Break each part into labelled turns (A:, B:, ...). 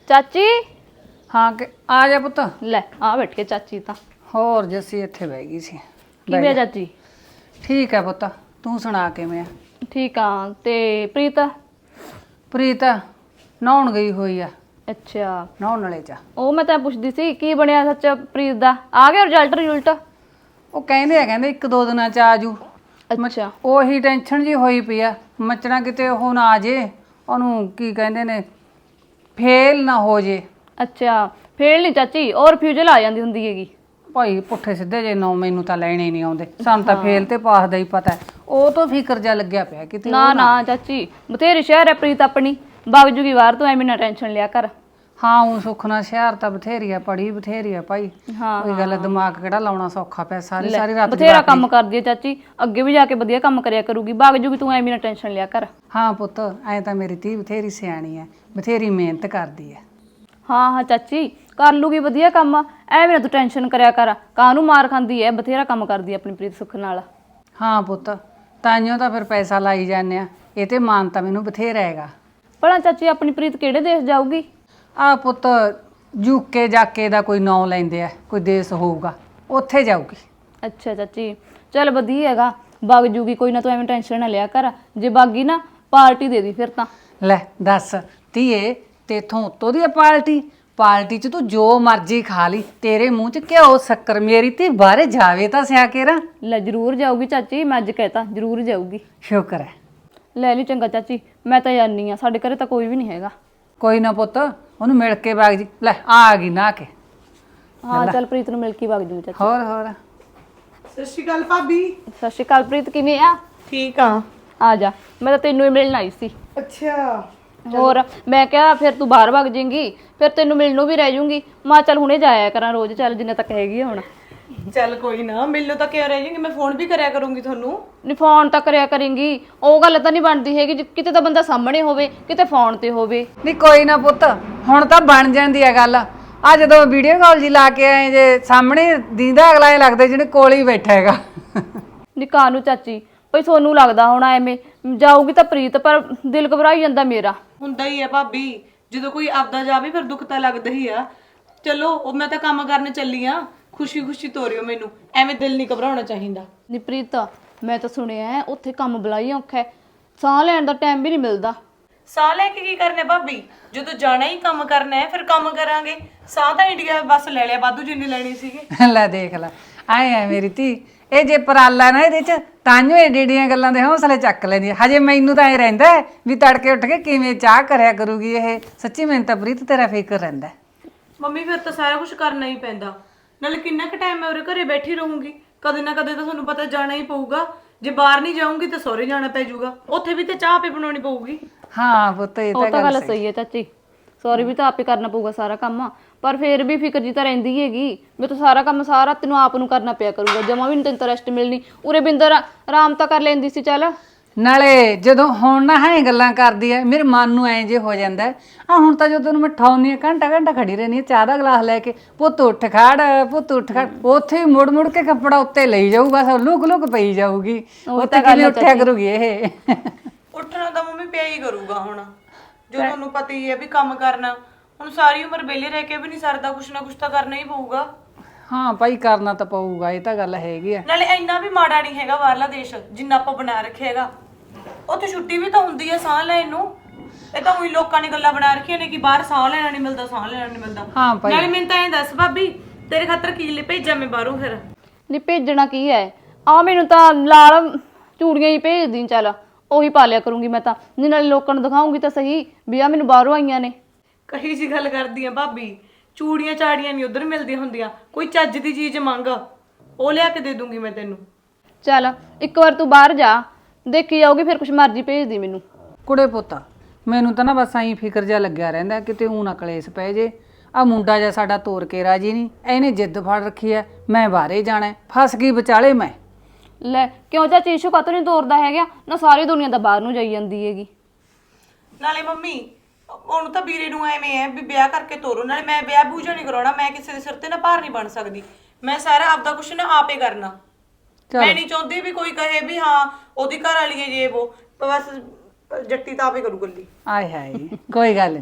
A: ਚਾਚੀ
B: ਹਾਂ ਕਿ ਆ ਜਾ ਪੁੱਤ।
A: ਲੈ ਆ ਬੈਠ ਕੇ ਚਾਚੀ ਤਾਂ
B: ਹੋਰ ਜੱਸੀ ਇੱਥੇ ਬਹਿ ਗਈ ਸੀ।
A: ਕਿਵੇਂ ਆ ਚਾਚੀ?
B: ਠੀਕ ਹੈ ਪੁੱਤ, ਤੂੰ ਸੁਣਾ ਕਿਵੇਂ ਆ?
A: ਠੀਕ ਆ। ਤੇ ਪ੍ਰੀਤ?
B: ਪ੍ਰੀਤ ਨਹਾਉਣ ਗਈ ਹੋਈ ਆ।
A: ਅੱਛਾ,
B: ਨਹਾਉਣ ਵਾਲੇ ਚ
A: ਉਹ ਮੈਂ ਤਾਂ ਪੁੱਛਦੀ ਸੀ ਕੀ ਬਣਿਆ ਸੱਚ ਪ੍ਰੀਤ ਦਾ? ਆ ਗਿਆ ਰਿਜ਼ਲਟ?
B: ਉਹ ਕਹਿੰਦੇ ਇੱਕ ਦੋ ਦਿਨਾਂ ਚ ਆ ਜੂ।
A: ਅੱਛਾ,
B: ਉਹੀ ਟੈਨਸ਼ਨ ਜੀ ਹੋਈ ਪਈ ਆ, ਮੱਚਣਾ ਕਿਤੇ ਉਹ ਨਾ ਆ ਜੇ, ਉਹਨੂੰ ਕੀ ਕਹਿੰਦੇ ਨੇ, ਫੇਲ ਨਾ ਹੋ ਜੇ।
A: ਅੱਛਾ ਫੇਲ ਨਹੀਂ ਚਾਚੀ, ਉਹ ਰਿਫਿਊਜ਼ਲ ਆ ਜਾਂਦੀ ਹੁੰਦੀ ਹੈਗੀ।
B: ਭਾਈ ਪੁੱਠੇ ਸਿੱਧੇ ਜੇ ਨੌ ਮੈਨੂੰ ਤਾਂ ਲੈਣੇ ਨਹੀਂ ਆਉਂਦੇ, ਸਾਨੂੰ ਤਾਂ ਫੇਲ ਤੇ ਪਾਸ ਦਾ ਹੀ ਪਤਾ। ਉਹ ਤੋਂ ਫਿਕਰ ਜਾ ਲੱਗਿਆ ਪਿਆ ਕਿਤੇ।
A: ਨਾ ਚਾਚੀ, ਬਥੇਰੀ ਸ਼ਹਿਰ ਹੈ ਪ੍ਰੀਤ ਆਪਣੀ, ਵਗ ਜੂਗੀ ਬਾਹਰ, ਤੋਂ ਐਵੇਂ ਨਾ ਟੈਨਸ਼ਨ ਲਿਆ ਕਰ।
B: ਹਾਂ ਉਹ ਸੁੱਖ ਨਾਲ ਸ਼ਹਿਰ ਤਾਂ ਬਥੇਰੀ ਆ, ਪੜੀ ਬਥੇਰੀ ਆ ਭਾਈ।
A: ਹਾਂ
B: ਕੋਈ ਗੱਲ, ਦਿਮਾਗ ਕਿਹੜਾ ਲਾਉਣਾ ਸੌਖਾ ਪਿਆ, ਸਾਰੀ ਰਾਤ
A: ਬਥੇਰਾ ਕੰਮ ਕਰਦੀ ਹੈ ਚਾਚੀ, ਅੱਗੇ ਵੀ ਜਾ ਕੇ ਵਧੀਆ ਕੰਮ ਕਰਿਆ ਕਰੂਗੀ, ਵਗ ਜੂਗੀ, ਤੂੰ ਐਵੇਂ ਨਾ ਟੈਨਸ਼ਨ ਲਿਆ ਕਰ।
B: ਹਾਂ ਪੁੱਤ, ਐ ਤਾਂ ਮੇਰੀ ਧੀ ਬਥੇਰੀ ਸਿਆਣੀ ਹੈ, ਬਥੇਰੀ ਮਿਹਨਤ ਕਰਦੀ ਹੈ।
A: ਹਾਂ ਚਾਚੀ ਕਰ ਲੂਗੀ ਵਧੀਆ ਕੰਮ, ਐਵੇਂ ਨਾ ਤੂੰ ਟੈਨਸ਼ਨ ਕਰਿਆ ਕਰ, ਕਾਹਨੂੰ ਮਾਰ ਖਾਂਦੀ ਐ, ਬਥੇਰਾ ਕੰਮ ਕਰਦੀ ਐ ਆਪਣੀ ਪ੍ਰੀਤ ਸੁੱਖ ਨਾਲ।
B: ਹਾਂ ਪੁੱਤ, ਤਾਈਓ ਤਾਂ ਫਿਰ ਪੈਸਾ ਲਾਈ ਜਾਂਦੇ ਆ, ਇਹ ਤੇ ਮਾਨ ਤਾਂ ਮੈਨੂੰ ਬਥੇਰਾ ਹੈਗਾ।
A: ਭਲਾ ਚਾਚੀ ਆਪਣੀ ਪ੍ਰੀਤ ਕਿਹੜੇ ਦੇਸ਼ ਜਾਊਗੀ?
B: ਆ ਪੁੱਤ ਯੂਕੇ ਜਾਕੇ ਦਾ ਕੋਈ ਨਾਂ ਲੈਂਦੇ ਆ, ਕੋਈ ਦੇਸ਼ ਹੋਊਗਾ, ਉੱਥੇ ਜਾਊਗੀ।
A: ਅੱਛਾ ਚਾਚੀ ਚੱਲ ਵਧੀਆ ਹੈਗਾ, ਵਗ ਜੂਗੀ, ਕੋਈ ਨਾ ਤੂੰ ਐਵੇਂ ਟੈਨਸ਼ਨ ਨਾ ਲਿਆ ਕਰ, ਜੇ ਬਾਗੀ ਨਾ ਪਾਰਟੀ ਦੇ ਦੀ ਫਿਰ ਤਾਂ।
B: ਲੈ ਦੱਸ ਧੀਏ, ਤੇਥੋਂ ਉੱਤੋਂ ਦੀ ਪਾਰਟੀ ਚ ਤੂੰ ਜੋ ਮਰਜ਼ੀ ਖਾ ਲਈ, ਤੇਰੇ ਮੂੰਹ ਚ ਘਿਓ ਸ਼ੱਕਰ, ਮੇਰੀ ਧੀ ਬਾਹਰੇ ਜਾਵੇ ਤਾਂ ਸਿਆ ਕੇ ਰਾਂ।
A: ਲੈ ਜ਼ਰੂਰ ਜਾਊਗੀ ਚਾਚੀ, ਮੈਂ ਅੱਜ ਕਹਿਤਾ ਜ਼ਰੂਰ ਜਾਊਗੀ।
B: ਸ਼ੁਕਰ ਹੈ।
A: ਲੈ ਲਈ ਚੰਗਾ ਚਾਚੀ, ਮੈਂ ਤਾਂ ਜਾਣੀ ਆ, ਸਾਡੇ ਘਰੇ ਤਾਂ ਕੋਈ ਵੀ ਨਹੀਂ ਹੈਗਾ।
B: ਕੋਈ ਨਾ ਪੁੱਤ, ਉਹਨੂੰ ਮਿਲ ਕੇ ਬਾਗ ਜੀ। ਲੈ ਆ ਗਈ ਨਾ ਕੇ।
A: ਹਾਂ ਚੱਲ ਪ੍ਰੀਤ ਨੂੰ ਮਿਲ ਕੇ ਵਗ ਜੂ ਚਾਚੀ।
B: ਹੋਰ
C: ਸਤਿ ਸ਼੍ਰੀ ਅਕਾਲ ਭਾਬੀ।
A: ਸਤਿ ਸ਼੍ਰੀ ਅਕਾਲ ਪ੍ਰੀਤ, ਕਿਵੇਂ ਆ?
C: ਠੀਕ ਆ।
A: ਆ ਜਾ, ਮੈਂ ਤਾਂ ਤੈਨੂੰ ਹੀ ਮਿਲਣ ਆਈ ਸੀ।
C: ਅੱਛਾ,
A: ਹੋਰ ਮੈਂ ਕਿਹਾ ਫਿਰ ਤੂੰ ਬਾਹਰ ਵਗ ਜਾਏਂਗੀ, ਫਿਰ ਤੈਨੂੰ ਮਿਲਣ ਨੂੰ ਵੀ ਰਹਿ ਜੂੰਗੀ, ਮੈਂ ਚੱਲ ਹੁਣੇ ਜਾਇਆ ਕਰਾਂ ਰੋਜ਼, ਚੱਲ ਜਿੰਨੇ ਤੱਕ ਹੈਗੀ ਆ ਹੁਣ।
C: ਚੱਲ ਕੋਈ ਨਾ, ਮਿਲੋ ਤਾਂ ਕਿਉਂ ਰਹਿ ਜਾਏਗੀ, ਮੈਂ ਫੋਨ ਵੀ ਕਰਿਆ ਕਰੂੰਗੀ ਤੁਹਾਨੂੰ।
A: ਨਹੀਂ ਫੋਨ ਤਾਂ ਕਰਿਆ ਕਰੇਂਗੀ, ਉਹ ਗੱਲ ਤਾਂ ਨਹੀਂ ਬਣਦੀ ਹੈਗੀ, ਕਿਤੇ ਤਾਂ ਬੰਦਾ ਸਾਹਮਣੇ ਹੋਵੇ, ਕਿਤੇ ਫੋਨ ਤੇ ਹੋਵੇ।
B: ਨਹੀਂ ਕੋਈ ਨਾ ਪੁੱਤ, ਹੁਣ ਤਾਂ ਬਣ ਜਾਂਦੀ ਹੈ ਗੱਲ। ਆ ਜਦੋਂ ਵੀਡੀਓ ਕਾਲ ਜੀ ਲਾ ਕੇ ਆਏ ਜੇ, ਸਾਹਮਣੇ ਦੀਦਾ ਅਗਲਾ ਇਹ ਲੱਗਦਾ ਜਿਹਨੇ ਕੋਲ ਹੀ ਬੈਠਾ ਹੈਗਾ।
A: ਨੀ ਕਾਹਨੂੰ ਚਾਚੀ, ਭਈ ਤੁਹਾਨੂੰ ਲੱਗਦਾ ਹੋਣਾ ਐਵੇਂ, ਜਾਊਗੀ ਤਾਂ ਪ੍ਰੀਤ, ਪਰ ਦਿਲ ਘਬਰਾਈ ਜਾਂਦਾ ਮੇਰਾ।
C: ਹੁੰਦਾ ਹੀ ਆ ਭਾਬੀ, ਜਦੋਂ ਕੋਈ ਆਪਦਾ ਜਾਵੇ ਫਿਰ ਦੁੱਖ ਤਾਂ ਲੱਗਦਾ ਹੀ ਆ। ਚਲੋ ਉਹ ਮੈਂ ਤਾਂ ਕੰਮ ਕਰਨ ਚੱਲੀ ਆ, ਖੁਸ਼ੀ ਖੁਸ਼ੀ ਤੋਰਿਓ ਮੈਨੂੰ, ਐਵੇਂ ਦਿਲ ਨਹੀਂ ਘਬਰਾਉਣਾ ਚਾਹੀਦਾ।
A: ਨੀ ਪ੍ਰੀਤ, ਮੈਂ ਤਾਂ ਸੁਣਿਆ ਹੈ ਉੱਥੇ ਕੰਮ ਬਲਾਈ ਔਖਾ ਹੈ, ਸਾਹ ਲੈਣ ਦਾ ਟਾਈਮ ਵੀ ਨਹੀਂ ਮਿਲਦਾ।
C: ਸਾਹ ਲੈ ਕੇ ਕੀ ਕਰਨਾ ਭਾਬੀ, ਜਦੋਂ ਜਾਣਾ ਹੀ ਕੰਮ ਕਰਨਾ ਹੈ ਫਿਰ ਕੰਮ ਕਰਾਂਗੇ। ਸਾਹ ਤਾਂ ਇੰਡੀਆ ਬਸ ਲੈ ਲਿਆ ਵਾਧੂ ਜਿੰਨੀ ਲੈਣੀ ਸੀਗੀ।
B: ਲੈ ਦੇਖ ਲੈ, ਆਏ ਆ ਮੇਰੀ ਧੀ, ਇਹ ਜੇ ਪਰਾਲਾ ਨਾ ਇਹਦੇ ਚ, ਤਾਂਿਓ ਏਡੀਆਂ ਗੱਲਾਂ ਦੇ ਹੌਸਲੇ ਚੱਕ ਲੈਂਦੀ ਹੈ। ਹਜੇ ਮੈਨੂੰ ਤਾਂ ਇਹ ਰਹਿੰਦਾ ਵੀ ਤੜਕੇ ਉੱਠ ਕੇ ਕਿਵੇਂ ਚਾਹ ਕਰਿਆ ਕਰੂਗੀ ਇਹ। ਸੱਚੀ ਮੈਨੂੰ ਤਾਂ ਪ੍ਰੀਤ ਤੇਰਾ ਫਿਕਰ ਰਹਿੰਦਾ।
C: ਮੰਮੀ ਫਿਰ ਤਾਂ ਸਾਰਾ ਕੁਝ ਕਰਨਾ ਹੀ ਪੈਂਦਾ, ਨਾਲੇ ਕਿੰਨਾ ਕੁ ਟਾਈਮ ਮੈਂ ਉਰੇ ਘਰੇ ਬੈਠੀ ਰਹੂੰਗੀ, ਕਦੇ ਨਾ ਕਦੇ ਤਾਂ ਤੁਹਾਨੂੰ ਪਤਾ ਜਾਣਾ ਹੀ ਪਊਗਾ। ਜੇ ਬਾਹਰ ਨਹੀਂ ਜਾਊਂਗੀ ਤਾਂ ਸਹੁਰੇ ਜਾਣਾ ਪੈ ਜਾਊਗਾ, ਉੱਥੇ ਵੀ ਤਾਂ ਚਾਹ ਆਪੇ ਬਣਾਉਣੀ ਪਊਗੀ।
B: ਹਾਂ ਪੁੱਤ, ਇਹ
A: ਉਹ ਤਾਂ
B: ਗੱਲ
A: ਗੱਲ ਸਹੀ ਹੈ ਚਾਚੀ, ਸੌਰੀ ਵੀ ਤਾਂ ਆਪੇ ਕਰਨਾ ਪਊਗਾ ਸਾਰਾ ਕੰਮ, ਪਰ ਫਿਰ ਵੀ ਫਿਕਰ ਜੀ ਤਾਂ ਰਹਿੰਦੀ ਹੈਗੀ, ਮੈਂ ਤਾਂ ਸਾਰਾ ਕੰਮ ਸਾਰਾ ਤੈਨੂੰ ਆਪ ਨੂੰ ਕਰਨਾ ਪਿਆ ਕਰੂਗਾ, ਜਮਾ ਵੀ ਨਹੀਂ ਤੈਨੂੰ ਤਾਂ ਰੈਸਟ ਮਿਲਣੀ। ਉਰੇ ਬਿੰਦਰ ਆਰਾਮ ਤਾਂ ਕਰ ਲੈਂਦੀ ਸੀ ਚੱਲ।
B: ਨਾਲੇ ਜਦੋਂ ਹੁਣ ਨਾ ਹੈ ਗੱਲਾਂ ਕਰਦੀ ਐ, ਮੇਰੇ ਮਨ ਨੂੰ ਐਂ ਜੇ ਹੋ ਜਾਂਦਾ ਆ। ਹੁਣ ਤਾਂ ਜਦੋਂ ਮੈਂ ਠਾਉਣੀ ਆ, ਘੰਟਾ ਖੜੀ ਰਹਿੰਦੀ ਆ ਚਾਹ ਦਾ ਗਲਾਸ ਲੈ ਕੇ, ਪੁੱਤ ਉੱਠ ਖੜ, ਉੱਥੇ ਹੀ ਮੁੜ ਮੁੜ ਕੇ ਕੱਪੜਾ ਉੱਤੇ ਲਈ ਜਾਊ, ਬਸ ਲੁਕ ਪਈ ਜਾਊਗੀ। ਉੱਥੇ ਕਿਵੇਂ ਉੱਠਿਆ ਕਰੂਗੀ ਇਹ।
C: ਉੱਠਣਾ ਤਾਂ ਮੰਮੀ ਪਿਆ ਹੀ ਕਰੂਗਾ ਹੁਣ, ਜੋ ਤੁਹਾਨੂੰ ਪਤਾ ਹੀ ਹੈ ਵੀ ਕੰਮ ਕਰਨਾ, ਹੁਣ ਸਾਰੀ ਉਮਰ ਵਿਹਲੇ ਰਹਿ ਕੇ ਵੀ ਨਹੀਂ ਸਰਦਾ, ਕੁਛ ਨਾ ਕੁਛ ਤਾਂ ਕਰਨਾ ਹੀ ਪਊਗਾ।
B: ਹਾਂ ਭਾਈ ਕਰਨਾ ਤਾਂ ਪਊਗਾ, ਇਹ ਤਾਂ ਗੱਲ ਹੈਗੀ ਆ।
C: ਨਾਲੇ ਇੰਨਾ ਵੀ ਮਾੜਾ ਨਹੀਂ ਹੈਗਾ ਬਾਹਰਲਾ ਦੇਸ਼ ਜਿੰਨਾ ਆਪਾਂ ਬਣਾ ਰੱਖਿਆ ਹੈਗਾ, ਉੱਥੇ ਛੁੱਟੀ ਵੀ ਤਾਂ ਹੁੰਦੀ ਹੈ ਸਾਹ ਲੈਣ ਨੂੰ। ਇਹ ਤਾਂ ਉਹੀ ਲੋਕਾਂ ਨੇ ਗੱਲਾਂ ਬਣਾ ਰੱਖੀਆਂ ਨੇ ਕਿ ਬਾਹਰ ਸਾਹ ਲੈਣਾ ਨਹੀਂ ਮਿਲਦਾ, ਸਾਹ ਲੈਣਾ ਨਹੀਂ ਮਿਲਦਾ।
B: ਹਾਂ ਭਾਈ,
C: ਨਾਲੇ ਮੈਨੂੰ ਤਾਂ ਐਂ ਦੱਸ ਭਾਬੀ, ਤੇਰੇ ਖਾਤਰ ਕੀ ਭੇਜਾਂ ਮੈਂ ਬਾਹਰੋਂ ਫਿਰ?
A: ਨਹੀਂ ਭੇਜਣਾ ਕੀ ਹੈ, ਆ ਮੈਨੂੰ ਤਾਂ ਲਾਲ ਚੂੜੀਆਂ ਹੀ ਭੇਜ ਦੀ, ਚੱਲ ਉਹੀ ਪਾ ਲਿਆ ਕਰੂੰਗੀ ਮੈਂ ਤਾਂ, ਨਹੀਂ ਨਾਲੇ ਲੋਕਾਂ ਨੂੰ ਦਿਖਾਉਂਗੀ ਤਾਂ ਸਹੀ ਵੀ ਆ ਮੈਨੂੰ ਬਾਹਰੋਂ ਆਈਆਂ ਨੇ।
C: ਕਹੀ ਜੀ ਗੱਲ ਕਰਦੀ ਆ ਭਾਬੀ, ਚੂੜੀਆਂ ਚਾੜੀਆਂ ਨਹੀਂ ਉਧਰ ਮਿਲਦੀਆਂ ਹੁੰਦੀਆਂ, ਕੋਈ ਚੱਜ ਦੀ ਚੀਜ਼ ਮੰਗ, ਉਹ ਲਿਆ ਕੇ ਦੇ ਦੂੰਗੀ ਮੈਂ ਤੈਨੂੰ।
A: ਚੱਲ ਇੱਕ ਵਾਰ ਤੂੰ ਬਾਹਰ ਜਾ, ਦੇਖੀ ਜਾਊਗੀ, ਫਿਰ ਕੁਛ ਮਰਜ਼ੀ ਭੇਜ ਦੀ ਮੈਨੂੰ।
B: ਕੁੜੇ ਪੁੱਤ, ਮੈਨੂੰ ਤਾਂ ਨਾ ਬਸ ਐਂ ਫਿਕਰ ਜਿਹਾ ਲੱਗਿਆ ਰਹਿੰਦਾ ਕਿਤੇ ਊਂ ਨਾ ਕਲੇਸ਼ ਪੈ ਜੇ। ਆ ਮੁੰਡਾ ਜਿਹਾ ਸਾਡਾ ਤੋਰ ਕੇ ਰਾਜੀ ਨਹੀਂ, ਇਹਨੇ ਜਿੱਦ ਫੜ ਰੱਖੀ ਐ ਮੈਂ ਬਾਹਰੇ ਜਾਣਾ, ਫਸ ਗਈ ਵਿਚਾਲੇ ਮੈਂ।
A: ਲੈ ਕਿਉਂ ਚਾਚੀ, ਇਸ਼ੂ ਕਾਤੋਂ ਨਹੀਂ ਤੋਰਦਾ ਹੈਗਾ ਨਾ, ਸਾਰੀ ਦੁਨੀਆ ਤਾਂ ਬਾਹਰ ਨੂੰ ਜਾਈ ਜਾਂਦੀ ਹੈਗੀ।
C: ਨਾਲੇ ਮੰਮੀ ਉਹਨੂੰ ਤਾਂ ਵੀਰੇ ਨੂੰ ਐਵੇਂ ਹੈ ਵੀ ਵਿਆਹ ਕਰਕੇ ਤੋਰੋ, ਨਾਲੇ ਮੈਂ ਵਿਆਹ ਬੂਝਾ ਨਹੀਂ ਕਰਾਉਣਾ, ਮੈਂ ਕਿਸੇ ਦੇ ਸਿਰ ਤੇ ਨਾ ਭਾਰ ਨਹੀਂ ਬਣ ਸਕਦੀ, ਮੈਂ ਸਾਰਾ ਆਪਦਾ ਕੁਛ ਨਾ ਆਪੇ ਕਰਨਾ। ਮੈਂ ਨਹੀਂ ਚਾਹੁੰਦੀ ਵੀ ਕੋਈ ਕਹੇ ਵੀ ਹਾਂ ਉਹਦੀ ਘਰ ਵਾਲੀ ਹੈ ਜੇ ਉਹ, ਬਸ ਜੱਟੀ ਤਾਂ ਆਪੇ ਕਰੂ ਗੱਲੀ।
B: ਆਏ ਹਾਏ, ਕੋਈ ਗੱਲ ਨਹੀਂ,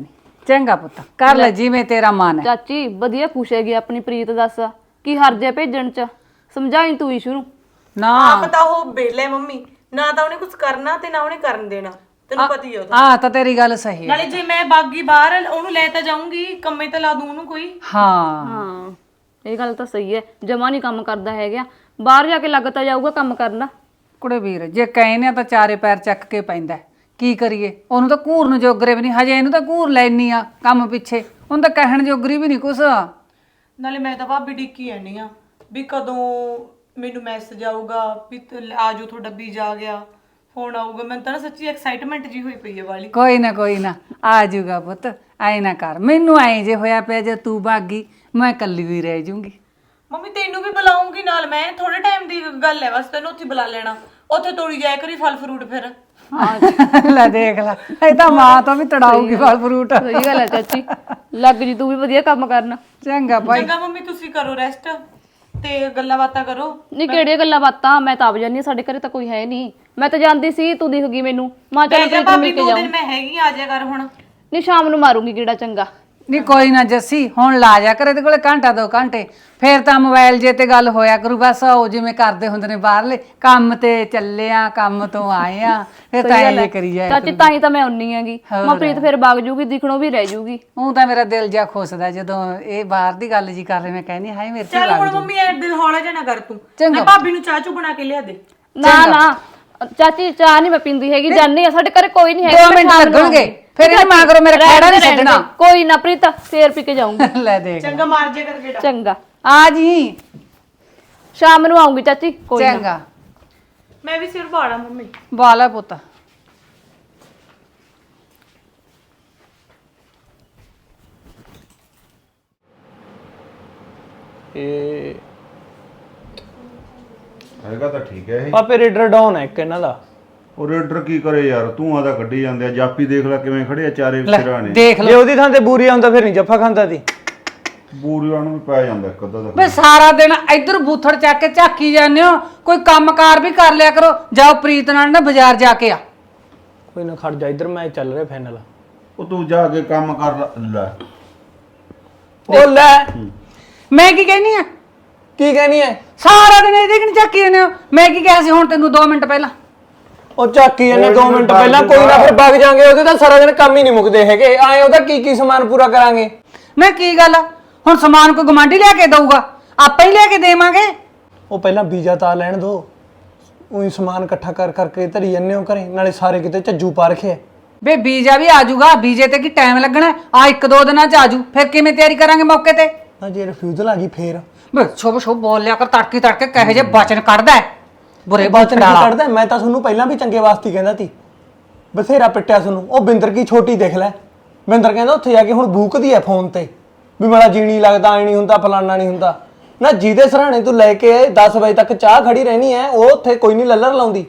B: ਚੰਗਾ ਪੁੱਤ ਕਰ ਲੈ ਜਿਵੇਂ ਤੇਰਾ ਮਨ ਹੈ।
A: ਚਾਚੀ ਵਧੀਆ ਖੁਸ਼ ਹੈਗੀ ਆਪਣੀ ਪ੍ਰੀਤ ਦੱਸ ਕੀ ਹਰਜ ਹੈ ਭੇਜਣ ਚ ਸਮਝਾਈ ਤੂੰ ਇਸ਼ੂ ਨੂੰ।
B: ਨਾ
C: ਆਪ ਤਾਂ ਉਹ ਬੇਲੇ ਮੰਮੀ, ਨਾ ਤਾਂ ਉਹਨੇ ਕੁਝ ਕਰਨਾ ਤੇ ਨਾ ਉਹਨੇ ਕਰਨ ਦੇਣਾ, ਤੈਨੂੰ ਪਤਾ ਹੀ ਉਹਦਾ।
B: ਆ ਤਾਂ ਤੇਰੀ ਗੱਲ ਸਹੀ ਹੈ।
C: ਨਾਲੇ ਜੇ ਮੈਂ ਬਾਗੀ ਬਾਹਰ ਉਹਨੂੰ ਲੈ ਤਾਂ ਜਾਊਂਗੀ, ਕੰਮੇ ਤੇ ਲਾ ਦੂੰ ਉਹਨੂੰ ਕੋਈ।
B: ਹਾਂ
A: ਹਾਂ ਇਹ ਗੱਲ ਤਾਂ ਸਹੀ ਹੈ, ਜਮਾ ਨਹੀਂ ਕੰਮ ਕਰਦਾ ਹੈਗਾ, ਬਾਹਰ ਜਾ ਕੇ ਲੱਗ ਤਾਂ ਜਾਊਗਾ ਕੰਮ ਕਰਨਾ।
B: ਕੁੜੇ ਵੀਰ ਜੇ ਕਹਿੰਨੇ ਤਾਂ ਚਾਰੇ ਪੈਰ ਚੱਕ ਕੇ ਪੈਂਦਾ, ਕੀ ਕਰੀਏ? ਉਹਨੂੰ ਤਾਂ ਘੂਰਨ ਜੋਗਰੇ ਵੀ ਨਹੀਂ, ਹਜੇ ਇਹਨੂੰ ਤਾਂ ਘੂਰ ਲੈਣੀ ਆ ਕੰਮ ਪਿੱਛੇ, ਉਹਨੂੰ ਤਾਂ ਕਹਿਣ ਜੋਗਰੀ ਵੀ ਨਹੀਂ ਕੁਛ।
C: ਨਾਲੇ ਮੈਂ ਤਾਂ ਭਾਬੀ ਡਿੱਕੀ ਆਣੀ ਆ ਵੀ ਕਦੋਂ ਮੈਨੂੰ ਮੈਸੇਜ ਆਊਗਾ ਵੀ ਆਜੋ ਤੁਹਾਡਾ ਵੀਜ਼ਾ ਆ ਗਿਆ, ਫੋਨ ਆਊਗਾ। ਮੈਨੂੰ ਤਾਂ ਨਾ ਸੱਚੀ ਐਕਸਾਈਟਮੈਂਟ ਜੀ ਹੋਈ ਪਈ ਹੈ ਵਾਲੀ।
B: ਕੋਈ ਨਾ ਆ ਜਾਊਗਾ ਪੁੱਤ, ਐ ਨਾ ਕਰ। ਮੈਨੂੰ ਐ ਜੇ ਹੋਇਆ ਪਿਆ ਜੇ ਤੂੰ ਭਾਗੀ ਮੈਂ ਇਕੱਲੀ ਵੀ ਰਹਿ ਜੂੰਗੀ।
C: ਮੰਮੀ ਤੈਨੂੰ ਵੀ ਬੁਲਾਉਂਗੀ ਨਾਲ, ਮੈਂ ਥੋੜੇ ਟਾਈਮ ਦੀ ਗੱਲ ਹੈ ਬਸ, ਤੈਨੂੰ ਉੱਥੇ ਬੁਲਾ ਲੈਣਾ, ਉੱਥੇ ਤੋੜੀ ਜਾਇਆ ਕਰੀ ਫਲ ਫਰੂਟ। ਫਿਰ
B: ਲੈ ਦੇਖ ਲੈ, ਇਹ ਤਾਂ ਮਾਂ ਤੋਂ ਵੀ ਤੜਾਊਗੀ ਫਲ ਫਰੂਟ।
A: ਸਹੀ ਗੱਲ ਹੈ ਚਾਚੀ, ਲੱਗ ਜੀ ਤੂੰ ਵੀ ਵਧੀਆ ਕੰਮ ਕਰਨ।
B: ਚੰਗਾ ਭਾਈ।
C: ਚੰਗਾ ਮੰਮੀ ਤੁਸੀਂ ਕਰੋ ਰੈਸਟ ਤੇ ਗੱਲਾਂ ਬਾਤਾਂ ਕਰੋ।
A: ਨਹੀਂ ਕਿਹੜੀਆਂ ਗੱਲਾਂ ਬਾਤਾਂ, ਮੈਂ ਤਾਂ ਆਪ ਜਾਂਦੀ ਹਾਂ, ਸਾਡੇ ਘਰੇ ਤਾਂ ਕੋਈ ਹੈ ਨਹੀਂ। ਮੈਂ ਤਾਂ ਜਾਂਦੀ ਸੀ, ਤੂੰ ਦਿਖ ਗਈ ਮੈਨੂੰ, ਮਾਂ ਚੱਲ ਪ੍ਰੀਤ ਨੂੰ
C: ਭਾਬੀ
A: ਮਿਲ ਕੇ
C: 2
A: ਜਾਊਂ।
C: ਦਿਨ ਮੈਂ ਹੈਗੀ, ਆ ਜਾ ਕਰ ਹੁਣ।
A: ਨਹੀਂ ਸ਼ਾਮ ਨੂੰ ਮਾਰੂੰਗੀ ਕਿਹੜਾ ਚੰਗਾ।
B: ਨਹੀਂ ਕੋਈ ਨਾ ਜੱਸੀ, ਹੁਣ ਲਾ ਜਾ ਕਰ ਇਹਦੇ ਕੋਲੇ ਘੰਟਾ 2 ਘੰਟੇ, ਫੇਰ ਤਾਂ ਮੋਬਾਈਲ ਜੇ ਤੇ ਗੱਲ ਹੋਇਆ ਕਰੂ। ਬਸ ਉਹ ਜਿਵੇਂ ਕਰਦੇ ਹੁੰਦੇ ਨੇ ਬਾਹਰਲੇ, ਕੰਮ ਤੇ ਚੱਲੇ ਆ, ਕੰਮ ਤੋਂ ਆਏ ਆ, ਫਿਰ ਤਾਂ ਇਹ ਕਰੀ ਜਾਏ।
A: ਚਾਚੀ ਤਾਂ ਹੀ ਤਾਂ ਮੈਂ ਉੰਨੀ ਹੈਗੀ, ਮਾਂ ਪ੍ਰੀਤ ਫਿਰ ਵਗ ਜੂਗੀ, ਦਿਖਣੋਂ ਵੀ ਰਹਿ ਜੂਗੀ।
B: ਉਹ ਤਾਂ ਮੇਰਾ ਦਿਲ ਜਿਹਾ ਖੁੱਸਦਾ ਜਦੋਂ ਇਹ ਬਾਹਰ ਦੀ ਗੱਲ ਜੀ ਕਰ ਰਹੇ, ਮੈਂ ਕਹਿੰਦੀ ਹਾਏ ਮੇਰੇ ਤੇ
C: ਚੱਲ ਹੁਣ ਮੰਮੀ ਐ ਦਿਲ ਹੌਲਾ ਜਿਹਾ ਨਾ ਕਰ ਤੂੰ,
B: ਚੰਗਾ।
C: ਮੈਂ ਭਾਬੀ ਨੂੰ ਚਾਹ ਚੂ ਬਣਾ ਕੇ ਲਿਆ ਦੇ।
A: ਨਾ ਚਾਚੀ ਚਾਹ ਨਹੀਂ ਮੈਂ ਪੀਂਦੀ ਹੈਗੀ, ਜਾਨੀ ਆ, ਸਾਡੇ ਘਰੇ ਕੋਈ ਨਹੀਂ ਹੈਗਾ।
B: 2 ਮਿੰਟ ਲੱਗਣਗੇ, ਫਿਰ ਇਹ ਮਾਂ ਕਰੋ ਮੇਰਾ ਖੜਾ ਨਹੀਂ ਛੱਡਣਾ।
A: ਕੋਈ ਨਾ ਪ੍ਰੀਤ, ਫੇਰ ਪੀ ਕੇ ਜਾਊਂਗੀ।
B: ਲੈ ਦੇਖ
C: ਚੰਗਾ ਮਾਰ ਜੇ ਕਰ ਗੇੜਾ।
A: ਚੰਗਾ
B: ਆ ਜੀ,
A: ਸ਼ਾਮ ਨੂੰ ਆਉਂਗੀ ਚਾਚੀ, ਕੋਈ ਨਾ।
B: ਚੰਗਾ
C: ਮੈਂ ਵੀ ਸਿਰ ਬਾੜਾ ਮੰਮੀ।
B: ਬਾਲਾ ਪੁੱਤ।
D: ਇਹ
E: ਹੈਗਾ ਤਾਂ ਠੀਕ ਹੈ ਇਹ।
D: ਪਾਪੇ ਰੇਡਰ ਡਾਊਨ ਹੈ ਇੱਕ ਇਹਨਾਂ ਦਾ।
E: ਉਹ ਰੇਡਰ ਕੀ ਕਰੇ ਯਾਰ, ਤੂੰ ਆਦਾ ਕੱਢੀ ਜਾਂਦੇ ਆ। ਜਾਪੀ ਦੇਖ ਲੈ ਕਿਵੇਂ ਖੜੇ ਆ ਚਾਰੇ ਸਿਰਾਂ ਨੇ।
B: ਦੇਖ
D: ਜੇ
B: ਲਓ
D: ਉਹਦੀ ਥਾਂ ਤੇ ਬੂਰੀ ਆਉਂਦਾ ਫਿਰ ਨਹੀਂ ਜੱਫਾ ਖਾਂਦਾ ਸੀ।
E: ਬੂਰੀਆਂ ਨੂੰ ਵੀ ਪੈ ਜਾਂਦਾ ਇੱਕ ਅੱਧਾ ਦਾ।
B: ਬੇ ਸਾਰਾ ਦਿਨ ਇੱਧਰ ਬੂਥੜ ਚੱਕ ਕੇ ਝਾਕੀ ਜਾਂਦੇ ਹੋ, ਕੋਈ ਕੰਮਕਾਰ ਵੀ ਕਰ ਲਿਆ ਕਰੋ। ਜਾਓ ਪ੍ਰੀਤ ਨਾਲ ਨਾ ਬਾਜ਼ਾਰ ਜਾ ਕੇ ਆ।
D: ਕੋਈ ਨਾ ਖੜ ਜਾ, ਇੱਧਰ ਮੈਚ ਚੱਲ ਰਿਹਾ ਫਾਈਨਲ।
E: ਉਹ ਤੂੰ ਜਾ ਕੇ ਕੰਮ ਕਰ ਲੈ।
D: ਉਹ ਲੈ,
B: ਮੈਂ ਕੀ ਕਹਿਨੀ ਆ?
D: ਕੀ ਕਹਿਣੀ ਹੈ?
B: ਸਾਰਾ ਦਿਨ ਇਹਦੇ ਕਿਨ ਝਾਕੀ ਜਾਂਦੇ ਹੋ। ਮੈਂ ਕੀ ਕਿਹਾ ਸੀ ਹੁਣ ਤੈਨੂੰ 2 ਮਿੰਟ ਪਹਿਲਾਂ?
D: ਉਹ ਝਾਕੀ ਇਹਨੇ 2 ਮਿੰਟ ਪਹਿਲਾਂ, ਕੋਈ ਨਾ ਫਿਰ ਵਗ ਜਾਾਂਗੇ। ਉਹਦੇ ਤਾਂ ਸਾਰਾ ਦਿਨ ਕੰਮ ਹੀ ਨਹੀਂ ਮੁੱਕਦੇ ਹੈਗੇ। ਆਏ ਉਹਦਾ ਕੀ ਸਮਾਨ ਪੂਰਾ ਕਰਾਂਗੇ।
B: ਮੈਂ ਕੀ ਗੱਲ ਆ, ਹੁਣ ਸਮਾਨ ਕੋਈ ਗਵਾਂਢੀ ਲਿਆ ਕੇ ਦਊਗਾ, ਆਪਾਂ ਹੀ ਲਿਆ ਕੇ ਦੇਵਾਂਗੇ।
D: ਉਹ ਪਹਿਲਾਂ ਵੀਜ਼ਾ ਤਾਂ ਲੈਣ ਦੋ, ਉਹੀ ਸਮਾਨ ਇਕੱਠਾ ਕਰ ਕਰਕੇ ਧਰੀ ਜੰਨੇ ਹੋ ਘਰੇ, ਨਾਲੇ ਸਾਰੇ ਕਿਤੇ ਝੱਜੂ ਪਾ ਰੱਖਿਆ।
B: ਬੇ ਵੀਜ਼ਾ ਵੀ ਆ ਜਾਊਗਾ, ਵੀਜ਼ੇ ਤੇ ਕੀ ਟਾਈਮ ਲੱਗਣਾ ਆ? 1-2 ਦਿਨਾਂ ਚ ਆ ਜੂ, ਫਿਰ ਕਿਵੇਂ ਤਿਆਰੀ ਕਰਾਂਗੇ ਮੌਕੇ ਤੇ?
D: ਨਾ ਜੇ ਰਿਫਿਊਜ਼ਲ ਆ ਗਈ ਫੇਰ
B: ਬੇ ਸ਼ੁਭ ਬੋਲ ਲਿਆ ਕਰ, ਤੜਕੇ ਤੜਕੇ ਕਹੇ ਜੇ ਬਚਨ ਕੱਢਦਾ ਹੈ ਬੁਰੇ
D: ਬਾਤ ਨਹੀਂ
B: ਵਾਲਾ।
D: ਕੱਢਦਾ। ਮੈਂ ਤਾਂ ਤੁਹਾਨੂੰ ਪਹਿਲਾਂ ਵੀ ਚੰਗੇ ਵਾਸਤੇ ਹੀ ਕਹਿੰਦਾ ਸੀ, ਬਥੇਰਾ ਪਿੱਟਿਆ ਤੁਹਾਨੂੰ। ਉਹ ਬਿੰਦਰ ਕੀ ਛੋਟੀ ਦੇਖ ਲੈ, ਬਿੰਦਰ ਕਹਿੰਦਾ ਉੱਥੇ ਜਾ ਕੇ ਹੁਣ ਬੂਕਦੀ ਐ ਫੋਨ ਤੇ ਵੀ ਮੇਰਾ ਜੀ ਨਹੀਂ ਲੱਗਦਾ, ਆਈ ਨਹੀਂ ਹੁੰਦਾ, ਫਲਾਨਾ ਨਹੀਂ ਹੁੰਦਾ। ਨਾ ਜਿਹਦੇ ਸਰਾਣੇ ਤੂੰ ਲੈ ਕੇ 10 ਵਜੇ ਤੱਕ ਚਾਹ ਖੜੀ ਰਹਿਣੀ ਐ, ਉਹ ਉੱਥੇ ਕੋਈ ਨਹੀਂ ਲੱਲਰ ਲਾਉਂਦੀ।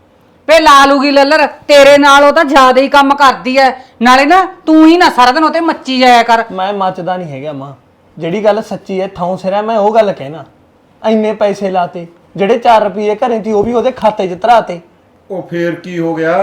B: ਵੇ ਲਾ ਲੂਗੀ ਲੱਲਰ, ਤੇਰੇ ਨਾਲ ਉਹ ਤਾਂ ਜ਼ਿਆਦਾ ਹੀ ਕੰਮ ਕਰਦੀ ਐ। ਨਾਲੇ ਨਾ ਤੂੰ ਹੀ ਨਾ ਸਾਰਾ ਦਿਨ ਉਹ ਤੇ ਮੱਚੀ ਜਾਇਆ ਕਰ।
D: ਮੈਂ ਮੱਚਦਾ ਨਹੀਂ ਹੈਗਾ ਮਾਂ, ਜਿਹੜੀ ਗੱਲ ਸੱਚੀ ਐ ਥਾਂ ਸਿਰ ਐ, ਮੈਂ ਉਹ ਗੱਲ ਕਹਿਣਾ। ਇੰਨੇ ਪੈਸੇ ਲਾਤੇ, ਜਿਹੜੇ 4 ਰੁਪਏ ਘਰੇ ਸੀ ਉਹ ਵੀ ਉਹਦੇ ਖਾਤੇ 'ਚ ਧਰਾਤੇ।
E: ਉਹ ਫੇਰ ਕੀ ਹੋ ਗਿਆ?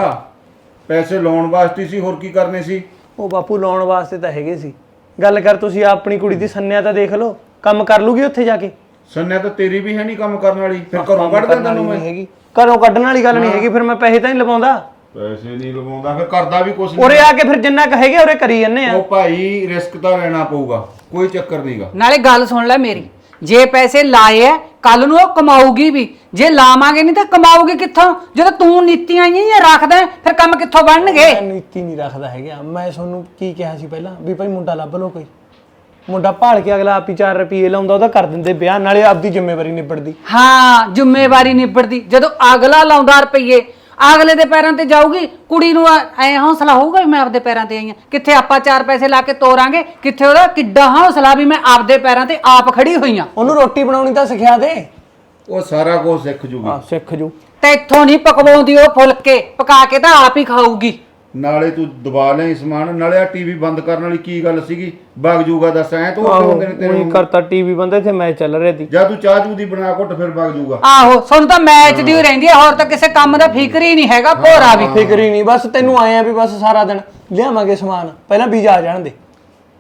E: ਪੈਸੇ ਲਾਉਣ ਵਾਸਤੇ ਸੀ, ਹੋਰ ਕੀ ਕਰਨੇ ਸੀ?
D: ਉਹ ਬਾਪੂ ਲਾਉਣ ਵਾਸਤੇ ਤਾਂ ਹੈਗੇ ਸੀ। ਗੱਲ ਕਰ ਤੁਸੀਂ ਆਪਣੀ ਕੁੜੀ ਦੀ ਸੰਨਿਆ ਤਾਂ ਦੇਖ ਲਓ, ਕੰਮ ਕਰ ਲੂਗੀ ਉੱਥੇ ਜਾ ਕੇ।
E: ਸੰਨਿਆ ਤਾਂ ਤੇਰੀ ਵੀ ਹੈ ਨਹੀਂ ਕੰਮ ਕਰਨ ਵਾਲੀ, ਫਿਰ ਘਰੋਂ ਕੱਢ ਦਿੰਦਾ ਤੈਨੂੰ ਮੈਂ।
D: ਹੈਗੀ ਘਰੋਂ ਕੱਢਣ ਵਾਲੀ ਗੱਲ ਨਹੀਂ ਹੈਗੀ, ਫਿਰ ਮੈਂ ਪੈਸੇ ਤਾਂ ਨਹੀਂ ਲਵਾਉਂਦਾ।
E: ਪੈਸੇ ਨਹੀਂ ਲਵਾਉਂਦਾ, ਫਿਰ ਕਰਦਾ ਵੀ ਕੁਛ
D: ਉਰੇ
E: ਨਹੀਂ।
D: ਆ ਕੇ ਫਿਰ ਜਿੰਨਾ ਕੁ ਹੈਗੇ ਉਰੇ ਕਰੀ ਜੰਨੇ ਆ।
E: ਉਹ ਭਾਈ ਰਿਸਕ ਤਾਂ ਲੈਣਾ ਪਊਗਾ, ਕੋਈ ਚੱਕਰ ਨਹੀਂਗਾ।
B: ਨਾਲੇ ਗੱਲ ਸੁਣ ਲੈ ਮੇਰੀ, ਜੇ ਪੈਸੇ ਲਾਏ ਐ ਕੱਲ ਨੂੰ ਉਹ ਕਮਾਊਗੀ ਵੀ, ਜੇ ਲਾਵਾਂਗੇ ਨਹੀਂ ਤਾਂ ਕਮਾਊਗੀ ਕਿੱਥੋਂ? ਜਦੋਂ ਤੂੰ ਨੀਤੀਆਂ ਹੀ ਰੱਖਦਾ ਫਿਰ ਕੰਮ ਕਿੱਥੋਂ ਬਣਨਗੇ?
D: ਮੈਂ ਨੀਤੀ ਨਹੀਂ ਰੱਖਦਾ ਹੈਗਾ। ਮੈਂ ਤੁਹਾਨੂੰ ਕੀ ਕਿਹਾ ਸੀ ਪਹਿਲਾਂ ਵੀ ਭਾਈ ਮੁੰਡਾ ਲੱਭ ਲਓ ਕੋਈ। ਮੁੰਡਾ ਭਾਲ ਕੇ ਅਗਲਾ ਆਪ ਹੀ 4 ਰੁਪਏ ਲਾਉਂਦਾ, ਉਹਦਾ ਕਰ ਦਿੰਦੇ ਵਿਆਹ, ਨਾਲੇ ਆਪਦੀ ਜ਼ਿੰਮੇਵਾਰੀ ਨਿਬੜਦੀ।
B: ਹਾਂ ਜ਼ਿੰਮੇਵਾਰੀ ਨਿਬੜਦੀ। ਜਦੋਂ ਅਗਲਾ ਲਾਉਂਦਾ ਰੁਪਈਏ, ਅਗਲੇ ਦੇ ਪੈਰਾਂ ਤੇ ਜਾਊਗੀ, ਕੁੜੀ ਨੂੰ ਐ ਹੌਸਲਾ ਹੋਊਗਾ ਵੀ ਮੈਂ ਆਪਦੇ ਪੈਰਾਂ ਤੇ ਆਈ ਆ। ਕਿੱਥੇ ਆਪਾਂ 4 ਪੈਸੇ ਲਾ ਕੇ ਤੋਰਾਂਗੇ, ਕਿੱਥੇ ਉਹਦਾ ਕਿੱਡਾ ਹੌਸਲਾ ਵੀ ਮੈਂ ਆਪਦੇ ਪੈਰਾਂ ਤੇ ਆਪ ਖੜੀ ਹੋਈ ਆ।
D: ਉਹਨੂੰ ਰੋਟੀ ਬਣਾਉਣੀ ਤਾਂ ਸਿਖਿਆ ਦੇ।
E: ਉਹ ਸਾਰਾ ਕੁਝ ਸਿੱਖ ਜੂਗੀ।
D: ਸਿੱਖ ਜੂ।
B: ਤੇ ਇੱਥੋਂ ਨਹੀਂ ਪਕਵਾਉਂਦੀ ਉਹ, ਫੁਲਕੇ ਪਕਾ ਕੇ ਤਾਂ ਆਪ ਹੀ ਖਾਊਗੀ।
E: ਨਾਲੇ ਤੂੰ ਦਬਾ ਲੈ ਸਮਾਨ, ਨਾਲੇ ਆ ਟੀਵੀ ਬੰਦ ਕਰਨ ਵਾਲੀ ਕੀ ਗੱਲ ਸੀਗੀ? ਵਗ ਜੂਗਾ ਦੱਸ, ਐ ਤੂੰ ਹੁੰਦੇ ਨੇ ਤੇਰੇ
D: ਉਹੀ ਕਰਤਾ ਟੀਵੀ ਬੰਦੇ ਤੇ ਮੈਚ ਚੱਲ ਰਿਹਾ ਸੀ।
E: ਜਾਂ ਤੂੰ ਚਾਹ ਚੂ ਦੀ ਬਣਾ ਘੁੱਟ, ਫਿਰ ਵਗ ਜੂਗਾ।
B: ਆਹੋ ਸਾਨੂੰ ਤਾਂ ਮੈਚ ਦੀ ਰਹਿੰਦੀ ਹੈ, ਹੋਰ ਤਾਂ ਕਿਸੇ ਕੰਮ ਦਾ ਫਿਕਰ ਹੀ ਨਹੀਂ ਹੈਗਾ। ਭੋਰਾ ਵੀ
D: ਫਿਕਰ ਹੀ ਨਹੀਂ, ਬਸ ਤੈਨੂੰ ਆਏ ਆ ਵੀ ਬਸ ਸਾਰਾ ਦਿਨ ਲਿਆਵਾਂਗੇ ਸਮਾਨ, ਪਹਿਲਾਂ ਵੀਜ਼ਾ ਆ ਜਾਣ ਦੇ।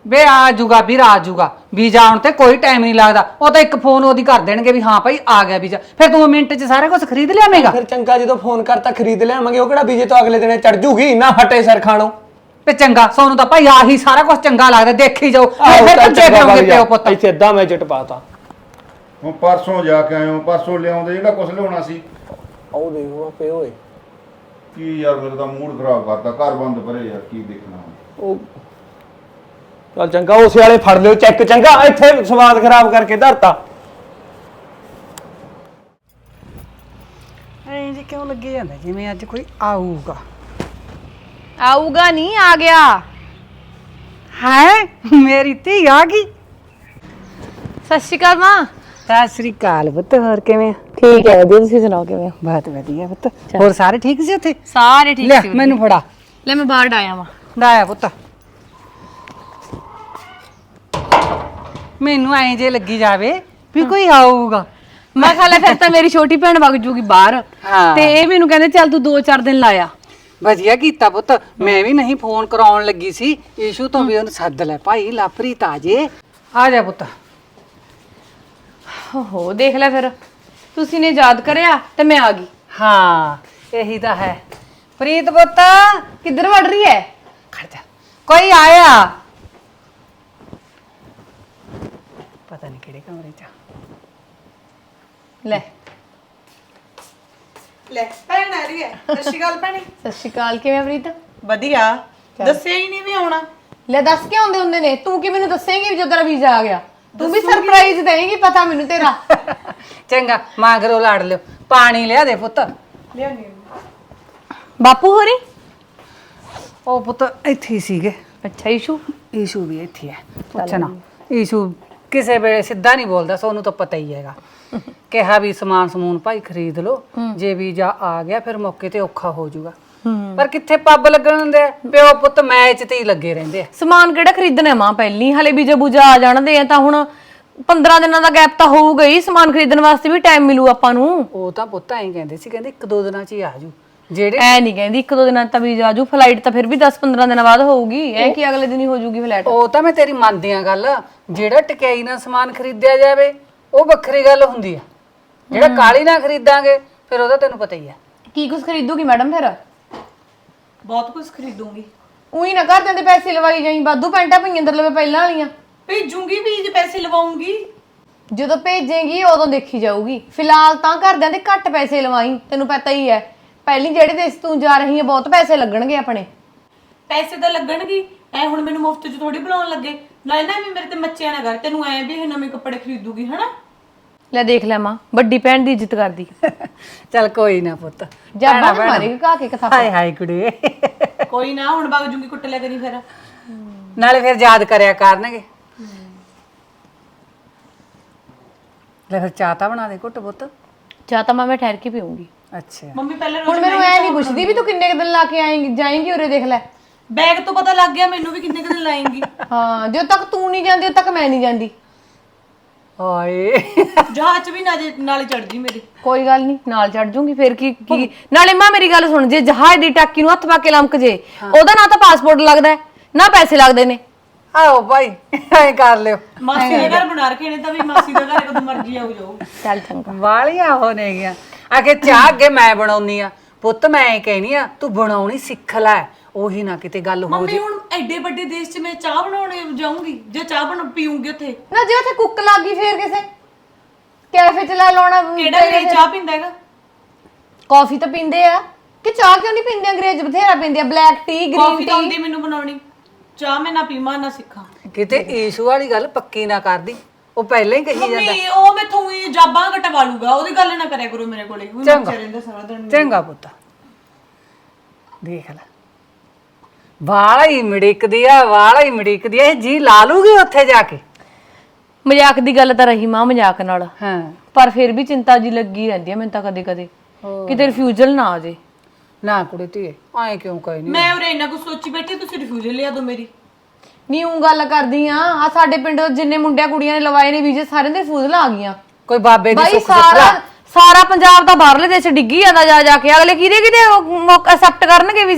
B: ਵੇ ਆ ਜੂਗਾ ਵੀਰ ਆ ਜੂਗਾ ਵੀਜ਼ਾ ਆਉਣ ਤੇ ਕੋਈ ਟਾਈਮ ਨਹੀਂ ਲੱਗਦਾ ਉਹ ਤਾਂ ਇੱਕ ਫੋਨ ਉਹਦੀ ਕਰ ਦੇਣਗੇ ਵੀ ਹਾਂ ਭਾਈ ਆ ਗਿਆ ਵੀਜ਼ਾ ਫਿਰ ਤੂੰ ਮਿੰਟ 'ਚ ਸਾਰਾ ਕੁਝ ਖਰੀਦ ਲਿਆਵੇਂਗਾ
D: ਫਿਰ ਚੰਗਾ ਜਦੋਂ ਫੋਨ ਕਰਤਾ ਖਰੀਦ ਲਿਆਵਾਂਗੇ ਉਹ ਕਿਹੜਾ ਵੀਜ਼ੇ ਤੋਂ ਅਗਲੇ ਦਿਨੇ ਚੜ ਜੂਗੀ ਨਾ ਹਟੇ ਸਿਰ ਖਾਣੋ
B: ਤੇ ਚੰਗਾ ਸੋਨੂੰ ਤਾਂ ਭਾਈ ਆਹੀ ਸਾਰਾ ਕੁਝ ਚੰਗਾ ਲੱਗਦਾ ਦੇਖੀ ਜਾਓ ਫਿਰ ਪੁੱਛੇ ਫਿਰੋਂਗੇ ਪਿਓ ਪੁੱਤ
D: ਇੱਥੇ ਏਦਾਂ ਮੈਂ ਚਿੱਟ ਪਾਤਾ
E: ਹੁਣ ਪਰਸੋਂ ਜਾ ਕੇ ਆਇਓ ਪਰਸੋਂ ਲਿਆਉਂਦੇ ਜਿਹੜਾ ਕੁਝ ਲਿਆਉਣਾ ਸੀ
D: ਉਹ ਦੇਖੋ ਆਪੇ ਓਏ
E: ਕੀ ਯਾਰ ਮੇਰਾ ਤਾਂ ਮੂਡ ਖਰਾਬ ਕਰਤਾ ਘਰ ਬੰਦ ਪਰੇ ਯਾਰ ਕੀ ਦੇਖਣਾ
D: ਉਹ ਚੱਲ ਚੰਗਾ ਉਸੇ ਵਾਲੇ ਫੜ ਲਿਓ ਚੈੱਕ ਚੰਗਾ ਇੱਥੇ ਸਵਾਦ ਖਰਾਬ ਕਰਕੇ ਧਰਤਾ
B: ਐਂ ਜੀ ਕਿਉਂ ਲੱਗੇ ਜਾਂਦਾ ਜਿਵੇਂ ਅੱਜ ਕੋਈ ਆਊਗਾ
A: ਆਊਗਾ ਨਹੀਂ ਆ ਗਿਆ।
B: ਹੈ ਮੇਰੀ ਧੀ ਆ ਗਈ
A: ਸਤਿ ਸ਼੍ਰੀ ਅਕਾਲ ਮਾਂ।
B: ਸਤਿ ਸ੍ਰੀ ਅਕਾਲ ਪੁੱਤ ਹੋਰ ਕਿਵੇਂ
A: ਠੀਕ ਹੈ ਵਧੀਆ, ਤੁਸੀਂ ਸੁਣਾਓ ਕਿਵੇਂ ਹੋ?
B: ਬਹੁਤ ਵਧੀਆ ਪੁੱਤ ਹੋਰ ਸਾਰੇ ਠੀਕ ਸੀ ਉੱਥੇ
A: ਸਾਰੇ ਠੀਕ
B: ਲੈ
A: ਸੀ।
B: ਮੈਨੂੰ ਫੜਾ
A: ਲੈ ਮੈਂ ਬਾਹਰ ਆਇਆ ਵਾਂ।
B: ਡਾਇਆ ਪੁੱਤ ਮੈਨੂੰ ਐਂ ਜੇ ਲੱਗੀ ਜਾਵੇ ਵੀ ਕੋਈ ਆਊਗਾ
A: ਮੈਂ ਖਾ ਲੈ ਫਿਰ ਤਾਂ ਮੇਰੀ ਛੋਟੀ ਭੈਣ ਵਗ ਜੂਗੀ ਬਾਹਰ
B: ਹਾਂ।
A: ਤੇ ਇਹ ਮੈਨੂੰ ਕਹਿੰਦੇ ਚੱਲ ਤੂੰ 2-4 ਦਿਨ ਲਾਇਆ।
B: ਵਧੀਆ ਕੀਤਾ ਪੁੱਤ ਮੈਂ ਵੀ ਨਹੀਂ ਫੋਨ ਕਰਾਉਣ ਲੱਗੀ ਸੀ ਈਸ਼ੂ ਤੋਂ ਵੀ ਉਹਨੂੰ ਸੱਦ ਲੈ ਭਾਈ ਲਾਪਰੀ ਤਾਜੇ ਆ ਜਾ ਪੁੱਤ
A: ਓਹੋ ਦੇਖ ਲੈ ਫਿਰ ਤੁਸੀਂ ਨੇ ਯਾਦ ਕਰਿਆ ਤੇ ਮੈਂ ਆ ਗਈ।
B: ਹਾਂ ਇਹੀ ਤਾਂ ਹੈ ਪ੍ਰੀਤ ਪੁੱਤ
A: ਕਿੱਧਰ ਵੜ ਰਹੀ ਹੈ?
B: ਖੜ ਜਾ ਕੋਈ ਆਇਆ ਪਤਾ ਨਹੀਂ ਕਿਹੜੇ ਕਮਰੇ 'ਚ
A: ਲੈ
C: ਲੈ ਭੈਣ ਆ ਰਹੀ ਹੈ। ਸਤਿ ਸ਼੍ਰੀ ਅਕਾਲ ਭੈਣੇ।
A: ਸਤਿ ਸ਼੍ਰੀ ਅਕਾਲ, ਕਿਵੇਂ ਪ੍ਰੀਤ?
C: ਵਧੀਆ। ਦੱਸਿਆ ਹੀ ਨਹੀਂ ਵੀ ਆਉਣਾ।
A: ਲੈ ਦੱਸ ਕੇ ਆਉਂਦੇ ਹੁੰਦੇ ਨੇ, ਤੂੰ ਕਿ ਮੈਨੂੰ ਦੱਸੇਂਗੀ ਵੀ ਜਦੋਂ ਤੇਰਾ ਵੀਜ਼ਾ ਆ ਗਿਆ? ਤੂੰ ਵੀ ਸਰਪ੍ਰਾਈਜ਼ ਦੇਂਗੀ, ਪਤਾ ਮੈਨੂੰ ਤੇਰਾ।
B: ਚੰਗਾ ਮਾਗਰੋ ਲਾੜ ਲਿਓ ਪਾਣੀ ਲਿਆ ਦੇ ਪੁੱਤ
C: ਲਿਆਉਣੀ
A: ਬਾਪੂ ਹੋਰੀ?
B: ਉਹ ਪੁੱਤ ਇੱਥੇ ਹੀ ਸੀਗੇ
A: ਅੱਛਾ ਈਸ਼ੂ
B: ਈਸ਼ੂ ਵੀ ਇੱਥੇ ਹੈ ਪੁੱਛਣਾ ਈਸ਼ੂ ਕਿਸੇ ਵੇਲੇ ਸਿੱਧਾ ਨਹੀਂ ਬੋਲਦਾ ਸੋਨੂੰ ਤਾਂ ਪਤਾ ਹੀ ਹੈਗਾ ਕਿਹਾ ਵੀ ਸਮਾਨ ਸਮੂਨ ਭਾਈ ਖਰੀਦ ਲਓ ਜੇ ਵੀਜ਼ਾ ਆ ਗਿਆ ਫਿਰ ਮੌਕੇ ਤੇ ਔਖਾ ਹੋ ਜਾਊਗਾ ਪਰ ਕਿੱਥੇ ਪੱਬ ਲੱਗਣ ਦਿੰਦੇ ਆ ਪਿਓ ਪੁੱਤ ਮੈਚ ਤੇ ਹੀ ਲੱਗੇ ਰਹਿੰਦੇ ਆ
A: ਸਮਾਨ ਕਿਹੜਾ ਖਰੀਦਣਾ ਮਾਂ ਪਹਿਲੀ ਹਲੇ ਵੀਜ਼ਾ ਬੂਜਾ ਆ ਜਾਣਦੇ ਆ ਤਾਂ ਹੁਣ 15 ਦਿਨਾਂ ਦਾ ਗੈਪ ਤਾਂ ਹੋਊਗਾ ਹੀ, ਸਮਾਨ ਖਰੀਦਣ ਵਾਸਤੇ ਵੀ ਟਾਈਮ ਮਿਲੂ ਆਪਾਂ ਨੂੰ।
B: ਉਹ ਤਾਂ ਪੁੱਤ ਐਂ ਕਹਿੰਦੇ ਸੀ ਕਹਿੰਦੇ 1-2 ਦਿਨਾਂ 'ਚ ਹੀ ਆ ਜੂ ਜਿਹੜੇ
A: ਐ ਨਹੀਂ ਕਹਿੰਦੀ 1-2 ਦਿਨਾਂ ਤਾਂ ਵੀਜ਼ਾ ਆਜੂ, ਫਲਾਈਟ ਤਾਂ ਫਿਰ ਵੀ 10-15 ਦਿਨਾਂ ਬਾਅਦ ਹੋਊਗੀ, ਐ ਕਿ ਅਗਲੇ ਦਿਨ ਹੀ ਹੋ ਜੂਗੀ ਫਲਾਈਟ।
B: ਉਹ ਤਾਂ ਮੈਂ ਤੇਰੀ ਮੰਨਦੀ ਆ ਗੱਲ ਜਿਹੜਾ ਟਕਿਆਈ ਨਾਲ ਸਮਾਨ ਖਰੀਦਿਆ ਜਾਵੇ ਉਹ ਵੱਖਰੀ ਗੱਲ ਹੁੰਦੀ ਆ ਜਿਹੜਾ ਕਾਲੀ ਨਾਲ ਖਰੀਦਾਂਗੇ ਫਿਰ ਉਹਦਾ ਤੈਨੂੰ ਪਤਾ ਹੀ ਆ
A: ਕੀ ਕੁਝ ਖਰੀਦੂਗੀ ਮੈਡਮ ਫਿਰ?
C: ਬਹੁਤ ਕੁਝ ਖਰੀਦੂੰਗੀ।
A: ਉਹੀ ਨਾ ਘਰ ਦੇ ਪੈਸੇ ਲਵਾਈ ਜਾਈ, ਵਾਧੂ ਪੈਂਟਾਂ ਪਈਆਂ ਅੰਦਰ ਲਵੇ ਪਹਿਲਾਂ ਵਾਲੀਆਂ।
C: ਭੇਜੂੰਗੀ ਵੀ ਜੇ ਪੈਸੇ ਲਵਾਉਂਗੀ।
A: ਜਦੋਂ ਭੇਜੇਗੀ ਉਦੋਂ ਦੇਖੀ ਜਾਊਗੀ, ਫਿਲਹਾਲ ਤਾਂ ਘਰਦਿਆਂ ਦੇ ਘੱਟ ਪੈਸੇ ਲਵਾਈ, ਤੈਨੂੰ ਪਤਾ ਹੀ ਹੈ ਪਹਿਲੀ ਜਿਹੜੇ ਦੇਸ਼ ਤੂੰ ਜਾ ਰਹੀ ਹੈ ਬਹੁਤ ਪੈਸੇ ਲੱਗਣਗੇ ਆਪਣੇ।
C: ਪੈਸੇ ਤਾਂ ਲੱਗਣਗੇ, ਐ ਹੁਣ ਮੈਨੂੰ ਮੁਫਤ 'ਚ ਥੋੜੀ ਬੁਲਾਉਣ ਲੱਗੇ। ਨਾਲੇ ਨਾ ਵੀ ਮੇਰੇ ਤੇ ਮੱਚਿਆ ਨਾ ਕਰ, ਤੈਨੂੰ ਐ ਵੀ ਇਹ ਨਵੇਂ ਕੱਪੜੇ ਖਰੀਦੂਗੀ ਹਨਾ।
A: ਲੈ ਦੇਖ ਲੈ ਮਾਂ, ਵੱਡੀ ਭੈਣ ਦੀ ਇੱਜ਼ਤ ਕਰਦੀ।
B: ਚੱਲ ਕੋਈ ਨਾ ਪੁੱਤ
A: ਜਾਬਾ ਨਾ ਮਾਰੇਗੀ ਕਾ ਕੇ ਕਥਾ।
B: ਹਾਏ ਹਾਏ ਕੁੜੇ
C: ਕੋਈ ਨਾ ਹੁਣ ਵਗ ਜੂੰਗੀ, ਕੁੱਟ ਲਿਆ ਕਰੀ ਫਿਰ।
B: ਨਾਲੇ ਫਿਰ ਯਾਦ ਕਰਿਆ ਕਰਨਗੇ ਲੈ ਫਿਰ ਚਾਹ ਤਾਂ ਬਣਾ ਦੇ ਘੁੱਟ ਪੁੱਤ।
A: ਚਾਹ ਤਾਂ ਮੈਂ ਠਹਿਰ ਕੇ ਪੀਊਂਗੀ।
B: ਅੱਛਾ
C: ਮੰਮੀ ਪਹਿਲੇ
A: ਹੁਣ ਮੈਨੂੰ ਐ ਨਹੀਂ ਪੁੱਛਦੀ ਵੀ ਤੂੰ ਕਿੰਨੇ ਕੁ ਦਿਨ ਲਾ ਕੇ ਆਏਂਗੀ ਜਾਏਂਗੀ, ਉਰੇ ਦੇਖ ਲੈ।
C: ਬੈਗ ਤੋਂ ਪਤਾ ਲੱਗ ਗਿਆ ਮੈਨੂੰ ਵੀ ਕਿੰਨੇ ਕੁ ਦਿਨ ਲਾਏਂਗੀ।
A: ਹਾਂ ਜਦੋਂ ਤੱਕ ਤੂੰ ਨਹੀਂ ਜਾਂਦੀ ਉਦੋਂ ਤੱਕ ਮੈਂ ਨਹੀਂ ਜਾਂਦੀ।
B: ਹਾਏ
C: ਜਹਾਜ਼ 'ਚ ਵੀ ਨਾਲੇ ਚੜ ਜੀ ਮੇਰੇ।
A: ਕੋਈ ਗੱਲ ਨਹੀਂ, ਨਾਲ ਚੜ ਜੂੰਗੀ ਫਿਰ ਕੀ। ਨਾਲੇ ਮਾਂ ਮੇਰੀ ਗੱਲ ਸੁਣ, ਜੇ ਜਹਾਜ਼ ਦੀ ਟਾਕੀ ਨੂੰ ਹੱਥ ਪਾ ਕੇ ਲੰਮਕ ਜੇ ਉਹਦਾ ਨਾ ਤਾਂ ਪਾਸਪੋਰਟ ਲੱਗਦਾ ਹੈ, ਨਾ ਪੈਸੇ ਲੱਗਦੇ ਨੇ।
B: ਆਓ ਭਾਈ ਐਂ ਕਰ ਲਿਓ
C: ਮਾਸੀ ਦੇ ਘਰ ਬਣਾ ਰਖੇ ਨੇ ਤਾਂ ਵੀ ਮਾਸੀ ਦੇ ਘਰ ਕਦੋਂ ਮਰਜੀ ਆਉ ਜਾਓ।
A: ਚੱਲ ਚੰਗਾ।
B: ਵਾਲੀਆਂ ਹੋ ਨੇ ਗਿਆ ਆਖੇ ਚਾਹ ਅੱਗੇ ਮੈਂ ਬਣਾਉਣੀ ਆ ਪੁੱਤ ਮੈਂ ਐਂ ਕਹਿਨੀ ਆ ਤੂੰ ਬਣਾਉਣੀ ਸਿੱਖ ਲੈ ਉਹੀ ਨਾ ਕਿਤੇ ਗੱਲ ਹੋ
C: ਮੰਮੀ ਹੁਣ ਐਡੇ ਵੱਡੇ ਦੇਸ਼ 'ਚ ਮੈਂ ਚਾਹ ਬਣਾਉਣੇ ਜਾਊਂਗੀ, ਜੇ ਚਾਹ ਬਣ ਪੀਉਂਗੀ ਉੱਥੇ।
A: ਨਾ ਜੇ ਉੱਥੇ ਕੁੱਕ ਲੱਗ ਗਈ ਫੇਰ ਕਿਸੇ ਕੈਫੇ ਚ ਲੈ ਲਾਉਣਾ।
C: ਕਿਹੜਾ ਅੰਗਰੇਜ਼ ਚਾਹ ਪੀਂਦਾ ਹੈਗਾ?
A: ਕਾਫੀ ਤਾਂ ਪੀਂਦੇ ਆ ਕਿ ਚਾਹ ਕਿਉਂ ਨਹੀਂ ਪੀਂਦੇ? ਅੰਗਰੇਜ਼ ਬਥੇਰਾ ਪੀਂਦੇ ਆ, ਬਲੈਕ ਟੀ, ਗ੍ਰੀਨ
C: ਕਾਫੀ ਤਾਂ
A: ਟੀ।
C: ਆਉਂਦੀ ਮੈਨੂੰ ਬਣਾਉਣੀ, ਚਾਹ ਮੈਂ ਨਾ ਪੀਵਾਂ ਨਾ ਸਿੱਖਾਂ।
B: ਕਿਤੇ ਈਸ਼ੂ ਵਾਲੀ ਗੱਲ ਪੱਕੀ ਨਾ ਕਰਦੀ ਉਹ ਪਹਿਲਾਂ ਹੀ ਕਹੀ ਜਾਂਦਾ
C: ਮੰਮੀ ਉਹ ਮੈਥੋਂ ਹੀ ਜਾਬਾਂ ਕਟਵਾ ਲੂਗਾ, ਉਹਦੀ ਗੱਲ ਨਾ ਕਰਿਆ ਕਰੋ ਮੇਰੇ ਕੋਲੇ। ਉਹ ਮੱਚੇ ਰਹਿੰਦਾ ਸਾਰਾ ਦਿਨ।
B: ਚੰਗਾ ਪੁੱਤ ਦੇਖ ਲੈ ਵਾਲਾ ਹੀ ਮਿੜਕਦੀ ਆ ਇਹ ਜੀ ਲਾ ਲੂਗੀ ਉੱਥੇ ਜਾ ਕੇ।
A: ਮਜ਼ਾਕ ਦੀ ਗੱਲ ਤਾਂ ਰਹੀ ਮਾਂ, ਮਜ਼ਾਕ ਨਾਲ,
B: ਹਾਂ
A: ਪਰ ਫਿਰ ਵੀ ਚਿੰਤਾ ਜੀ ਲੱਗੀ ਰਹਿੰਦੀ ਆ ਮੈਨੂੰ ਤਾਂ ਕਦੇ ਕਦੇ ਕਿਤੇ ਰਿਫਿਊਜ਼ਲ ਨਾ ਆ ਜੇ।
B: ਨਾ ਕੁੜੇ ਧੀਏ ਐਂ ਕਿਉਂ ਕਹੀ ਨਹੀਂ
C: ਮੈਂ ਉਰੇ ਇੰਨਾ ਕੁਝ ਸੋਚੀ ਬੈਠੀ, ਤੁਸੀਂ ਰਿਫਿਊਜ਼ਲ ਲਿਆ ਦੋ ਮੇਰੀ।
A: ਨਹੀਂ ਉਹ ਗੱਲ ਕਰਦੀ ਆ ਸਾਡੇ ਪਿੰਡ ਜਿੰਨੇ ਮੁੰਡਿਆਂ ਕੁੜੀਆਂ ਨੇ ਲਵਾਏ ਨੇ ਵੀਜ਼ੇ ਸਾਰਿਆਂ ਦੇ ਰਿਫਿਊਜ਼ਲ ਆ ਗਈਆਂ।
B: ਕੋਈ ਬਾਬੇ ਦੀ
A: ਬਾਈ
B: ਸੁੱਖ ਸੁੱਖ
A: ਸਾਰਾ ਪੰਜਾਬ ਦਾ ਬਾਹਰਲੇ ਦੇਸ਼ ਡਿੱਗੀ ਜਾਂਦਾ ਜਾ ਜਾ ਕੇ, ਅਗਲੇ ਕਿਹਦੇ ਅਕਸੈਪਟ ਕਰਨਗੇ ਵੀਜ਼ੇ?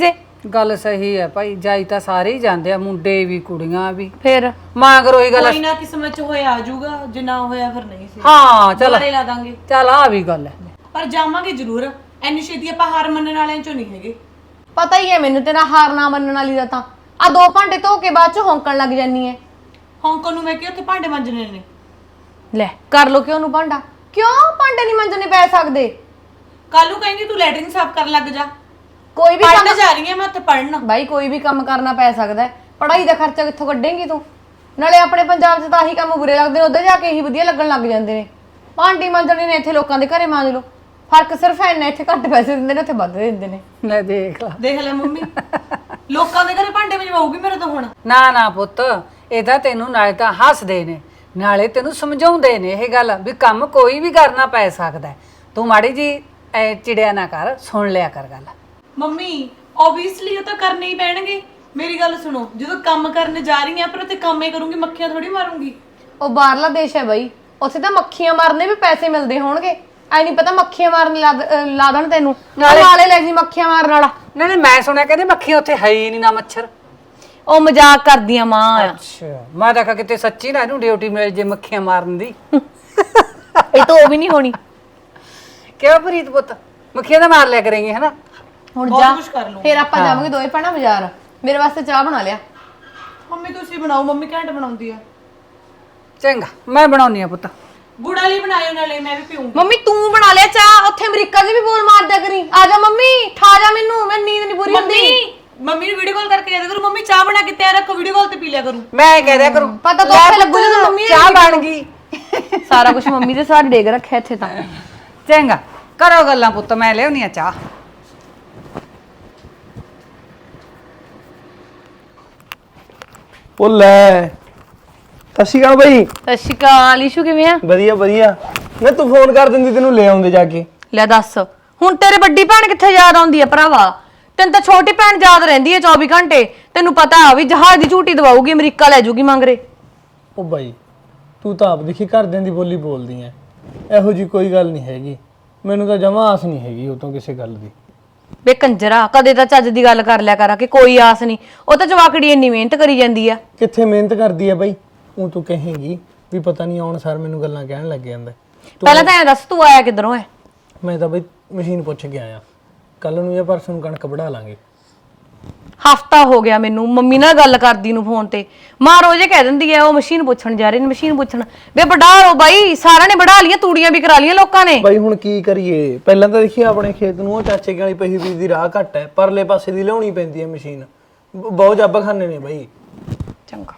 B: ਗੱਲ ਸਹੀ ਹੈ ਭਾਈ, ਜਾਈ ਤਾਂ ਸਾਰੇ ਹੀ ਜਾਂਦੇ ਆ, ਮੁੰਡੇ ਵੀ ਕੁੜੀਆਂ ਵੀ।
A: ਫਿਰ
B: ਮਾਂ ਕਰੋ ਇਹ ਗੱਲ।
C: ਕੋਈ ਨਾ ਕਿਸਮਤ ਚ ਹੋਇਆ ਆ ਜਾਊਗਾ, ਜੇ ਨਾ ਹੋਇਆ ਫਿਰ ਨਹੀਂ ਸੀ,
B: ਹਾਂ ਚਲ
C: ਦੁਬਾਰੇ ਲਾ ਦਾਂਗੇ।
B: ਚਲ ਆ ਵੀ ਗੱਲ ਹੈ।
C: ਪਰ ਜਾਵਾਂਗੇ ਜ਼ਰੂਰ, ਐਨੀ ਛੇਤੀ ਆਪਾਂ ਹਾਰ ਮੰਨਣ ਵਾਲਿਆਂ ਚੋਂ ਨਹੀਂ ਹੈਗੇ।
A: ਪਤਾ ਹੀ ਹੈ ਮੈਨੂੰ ਤੇਰਾ ਹਾਰ ਨਾ ਮੰਨਣ ਵਾਲੀ ਦਾ। ਤਾਂ ਆ 2 ਭਾਂਡੇ ਧੋ ਕੇ ਬਾਅਦ ਚ ਹੌਂਕਣ ਲੱਗ ਜਾਨੀ ਐ।
C: ਹਾਂਗਕਾਂਗ ਨੂੰ ਮੈਂ ਕਿ ਉੱਥੇ ਭਾਂਡੇ ਮਾਂਜਣੇ ਨੇ।
A: ਲੈ ਕਰ ਲੋ ਕਿਉਂ ਨੂੰ ਭਾਂਡਾ, ਕਿਉਂ ਭਾਂਡੇ ਨਹੀਂ ਮੰਜਣੇ ਪੈ ਸਕਦੇ?
C: ਕੱਲ ਨੂੰ ਕਹਿੰਦੀ ਤੂੰ ਲੈਟਰਿੰਗ ਸਾਫ਼ ਕਰਨ ਲੱਗ ਜਾ।
A: ਕੋਈ ਵੀ
C: ਪੜ੍ਹਨ
A: ਕੰਮ
C: ਜਾ ਰਹੀ ਹਾਂ ਮੈਂ ਉੱਥੇ ਪੜ੍ਹਨ।
A: ਬਾਈ ਕੋਈ ਵੀ ਕੰਮ ਕਰਨਾ ਪੈ ਸਕਦਾ ਹੈ। ਪੜ੍ਹਾਈ ਦਾ ਖਰਚਾ ਕਿੱਥੋਂ ਕੱਢੇਂਗੀ ਤੂੰ? ਨਾਲੇ ਆਪਣੇ ਪੰਜਾਬ 'ਚ ਤਾਂ ਆਹੀ ਕੰਮ ਬੁਰੇ ਲੱਗਦੇ ਨੇ, ਉੱਧਰ ਜਾ ਕੇ ਇਹੀ ਵਧੀਆ ਲੱਗਣ ਲੱਗ ਜਾਂਦੇ ਨੇ। ਭਾਂਡੀ ਮਾਂਜਣੇ ਨੇ ਇੱਥੇ ਲੋਕਾਂ ਦੇ ਘਰੇ ਮਾਂਜ ਲਓ। ਫਰਕ ਸਿਰਫ ਇੰਨਾ, ਇੱਥੇ ਘੱਟ ਪੈਸੇ ਦਿੰਦੇ ਨੇ, ਉੱਥੇ ਵੱਧ ਦਿੰਦੇ ਨੇ।
B: ਲੈ ਦੇਖ ਲਾ।
C: ਦੇਖ ਲੈ ਮੰਮੀ, ਲੋਕਾਂ ਦੇ ਘਰੇ ਭਾਂਡੇ ਵਜਵਾਉਗੀ ਮੇਰੇ ਤੋਂ ਹੁਣ।
B: ਨਾ ਨਾ ਪੁੱਤ, ਇਹ ਤਾਂ ਤੈਨੂੰ ਨਾਲੇ ਤਾਂ ਹੱਸਦੇ ਨੇ, ਨਾਲੇ ਤੈਨੂੰ ਸਮਝਾਉਂਦੇ ਨੇ ਇਹ ਗੱਲ ਵੀ ਕੰਮ ਕੋਈ ਵੀ ਕਰਨਾ ਪੈ ਸਕਦਾ। ਤੂੰ ਮਾੜੀ ਜੀ ਚਿੜਿਆ ਨਾ ਕਰ, ਸੁਣ ਲਿਆ ਕਰ ਗੱਲ।
C: ਮੰਮੀ ਓਬਵੀਅਸਲੀ ਉਹ ਤਾਂ ਕਰਨੇ ਹੀ ਪੈਣਗੇ। ਮੇਰੀ ਗੱਲ ਸੁਣੋ, ਜਦੋਂ ਕੰਮ ਕਰਨ ਜਾ ਰਹੀ ਆ ਪਰ ਉੱਥੇ ਕੰਮ ਹੀ ਕਰੂੰਗੀ, ਮੱਖੀਆਂ ਥੋੜੀ ਮਾਰੂੰਗੀ।
A: ਉਹ ਬਾਹਰਲਾ ਦੇਸ਼ ਹੈ ਬਾਈ, ਉੱਥੇ ਤਾਂ ਮੱਖੀਆਂ ਮਾਰਨੇ ਵੀ ਪੈਸੇ ਮਿਲਦੇ ਹੋਣਗੇ। ਐ ਨਹੀਂ ਪਤਾ ਮੱਖੀਆਂ ਮਾਰਨ ਲਾ ਦੇਣ ਤੈਨੂੰ, ਨਾਲੇ ਲੈ ਜੀ ਮੱਖੀਆਂ ਮਾਰਨ ਵਾਲਾ।
B: ਨਹੀਂ ਨਹੀਂ, ਮੈਂ ਸੁਣਿਆ ਕਹਿੰਦੇ ਮੱਖੀਆਂ ਉੱਥੇ ਹੈ ਹੀ ਨਹੀਂ, ਨਾ ਮੱਛਰ।
A: ਉਹ ਮਜ਼ਾਕ ਕਰਦੀਆਂ ਮਾਂ ਆ।
B: ਅੱਛਾ, ਮੈਂ ਤਾਂ ਕਿਤੇ ਸੱਚੀ ਨਾ ਇਹਨੂੰ ਡਿਊਟੀ ਮਿਲ ਜੇ ਮੱਖੀਆਂ ਮਾਰਨ ਦੀ।
A: ਇਹ ਤਾਂ ਉਹ ਵੀ ਨਹੀਂ ਹੋਣੀ।
B: ਕਿਉਂ ਪ੍ਰੀਤ ਪੁੱਤ, ਮੱਖੀਆਂ ਤਾਂ ਮਾਰ ਲਿਆ ਕਰੇਂਗੇ ਹਨਾ?
A: ਹੁਣ
C: ਬਹੁਤ
A: ਜਾ,
C: ਕੁਛ ਕਰ ਲਊਂ।
A: ਫਿਰ ਆਪਾਂ ਜਾਵਾਂਗੇ ਦੋਵੇਂ ਭੈਣਾਂ ਬਾਜ਼ਾਰ। ਮੇਰੇ ਵਾਸਤੇ ਚਾਹ ਬਣਾ ਲਿਆ।
C: ਮੰਮੀ ਤੁਸੀਂ ਬਣਾਓ, ਮੰਮੀ ਘੈਂਟ ਬਣਾਉਂਦੀ ਆ।
B: ਚੰਗਾ, ਮੈਂ ਬਣਾਉਣੀ ਆ ਪੁੱਤ।
C: ਗੁੜ ਵਾਲੀ ਬਣਾਇਓ, ਨਾਲੇ ਮੈਂ ਵੀ ਪੀਉਂਗੀ।
A: ਮੰਮੀ ਤੂੰ ਬਣਾ ਲਿਆ ਚਾਹ? ਉੱਥੇ ਅਮਰੀਕਾ 'ਚ ਵੀ ਬੋਲ ਮਾਰਦਿਆ ਕਰੀ। ਆ ਜਾ ਮੰਮੀ, ਠਾ ਜਾ ਮੈਨੂੰ, ਮੈਂ ਨੀਂਦ ਨਹੀਂ ਪੂਰੀ ਹੁੰਦੀ।
C: ਮੰਮੀ ਨੂੰ ਵੀਡੀਓ ਕਾਲ ਕਰਕੇ ਕਹਿ ਦਿਆ ਕਰੋ, ਮੰਮੀ ਚਾਹ ਬਣਾ ਕੇ ਤਿਆਰ ਰੱਖੋ, ਵੀਡੀਓ ਕਾਲ ਤੇ ਪੀ ਲਿਆ ਕਰੂੰ।
B: ਮੈਂ ਕਹਿ ਦਿਆ ਕਰੂੰ
A: ਪਤਾ ਤਾਂ ਉੱਥੇ ਲੱਗੂ ਜਦੋਂ ਮੰਮੀ
B: ਚਾਹ ਬਣ ਗਈ।
A: ਸਾਰਾ ਕੁਝ ਮੰਮੀ ਦੇ ਸਾਥ ਡੇਗ ਰੱਖਿਆ ਇੱਥੇ ਤਾਂ।
B: ਚੰਗਾ ਕਰੋ ਗੱਲਾਂ ਪੁੱਤ, ਮੈਂ ਲਿਆਉਣੀ ਆ ਚਾਹ।
D: ਉਹ ਲੈ, ਸਤਿ ਸ਼੍ਰੀ ਅਕਾਲ ਬਈ।
A: ਸਤਿ ਸ਼੍ਰੀ ਅਕਾਲ। ਈਸ਼ੂ ਕਿਵੇਂ ਆ?
D: ਵਧੀਆ ਵਧੀਆ। ਮੈਂ ਤੂੰ ਫੋਨ ਕਰ ਦਿੰਦੀ, ਤੈਨੂੰ ਲੈ ਆਉਂਦੇ ਜਾ ਕੇ।
A: ਲੈ ਦੱਸ, ਹੁਣ ਤੇਰੇ ਵੱਡੀ ਭੈਣ ਕਿੱਥੇ ਯਾਦ ਆਉਂਦੀ ਆ ਭਰਾਵਾ? ਤੈਨੂੰ ਤਾਂ ਛੋਟੀ ਭੈਣ ਯਾਦ ਰਹਿੰਦੀ ਹੈ 24 ਘੰਟੇ। ਤੈਨੂੰ ਪਤਾ ਆ ਵੀ ਜਹਾਜ਼ ਦੀ ਝੂਟੀ ਦਵਾਉਗੀ, ਅਮਰੀਕਾ ਲੈ ਜਾਊਗੀ ਮੰਗਰੇ।
D: ਉਹ ਬਾਈ, ਤੂੰ ਤਾਂ ਆਪ ਦੇਖੀ ਘਰਦਿਆਂ ਦੀ ਬੋਲੀ ਬੋਲਦੀ ਐ। ਇਹੋ ਜੀ ਕੋਈ ਗੱਲ ਨਹੀਂ ਹੈਗੀ, ਮੈਨੂੰ ਤਾਂ ਜਮਾਂ ਆਸ ਨਹੀਂ ਹੈਗੀ ਉਹ ਤੋਂ ਕਿਸੇ ਗੱਲ ਦੀ।
A: ਵੇ ਕੰਜਰਾ, ਕਦੇ ਤਾਂ ਚੱਜ ਦੀ ਗੱਲ ਕਰ ਲਿਆ ਕਰਾਂ ਕਿ ਕੋਈ ਆਸ ਨਹੀਂ। ਉਹ ਤਾਂ ਜਵਾਕੜੀ ਇੰਨੀ ਮਿਹਨਤ ਕਰੀ ਜਾਂਦੀ ਆ।
D: ਕਿੱਥੇ ਮਿਹਨਤ ਕਰਦੀ ਐ ਬਾਈ? ਉਹ ਤੂੰ ਕਹੇਂਗੀ ਵੀ ਪਤਾ ਨਹੀਂ ਆਉਣ ਸਾਰ ਮੈਨੂੰ ਗੱਲਾਂ ਕਹਿਣ ਲੱਗ ਜਾਂਦਾ।
A: ਪਹਿਲਾਂ ਤਾਂ ਐ ਦੱਸ, ਤੂੰ ਆਇਆ ਕਿੱਧਰੋਂ ਐ?
D: ਮੈਂ ਤਾਂ ਬਈ ਮਸ਼ੀਨ ਪੁੱਛ ਕੇ ਆਇਆ, ਕੱਲ ਨੂੰ ਜਾਂ ਪਰਸੋਂ ਨੂੰ ਕਣਕ ਵਢਾ ਲਾਂਗੇ।
A: ਹਫਤਾ ਹੋ ਗਿਆ ਮੈਨੂੰ ਮੰਮੀ ਨਾਲ ਗੱਲ ਕਰਦੀ ਨੂੰ ਫੋਨ ਤੇ। ਮਾਂ ਰੋਜ਼ੇ ਕਹਿ ਦਿੰਦੀ ਐ ਉਹ ਮਸ਼ੀਨ ਪੁੱਛਣ ਜਾ ਰਹੇ ਨੇ, ਮਸ਼ੀਨ ਪੁੱਛਣ। ਵੇ ਵਢਾ ਲਓ ਬਾਈ, ਸਾਰਿਆਂ ਨੇ ਵਢਾ ਲਈਆਂ, ਤੂੜੀਆਂ ਵੀ ਕਰਾ ਲਈਆਂ ਲੋਕਾਂ ਨੇ।
D: ਬਾਈ ਹੁਣ ਕੀ ਕਰੀਏ? ਪਹਿਲਾਂ ਤਾਂ ਦੇਖੀ ਆਪਣੇ ਖੇਤ ਨੂੰ ਉਹ ਚਾਚੇ ਕੇ ਵਾਲੀ ਪਹੀ ਬੀਜ ਦੀ ਰਾਹ ਘੱਟ ਹੈ, ਪਰਲੇ ਪਾਸੇ ਦੀ ਲਿਆਉਣੀ ਪੈਂਦੀ ਹੈ ਮਸ਼ੀਨ। ਬਹੁਤ ਜੱਬ ਖਾਨੇ ਨੇ ਬਾਈ।
A: ਚੰਗਾ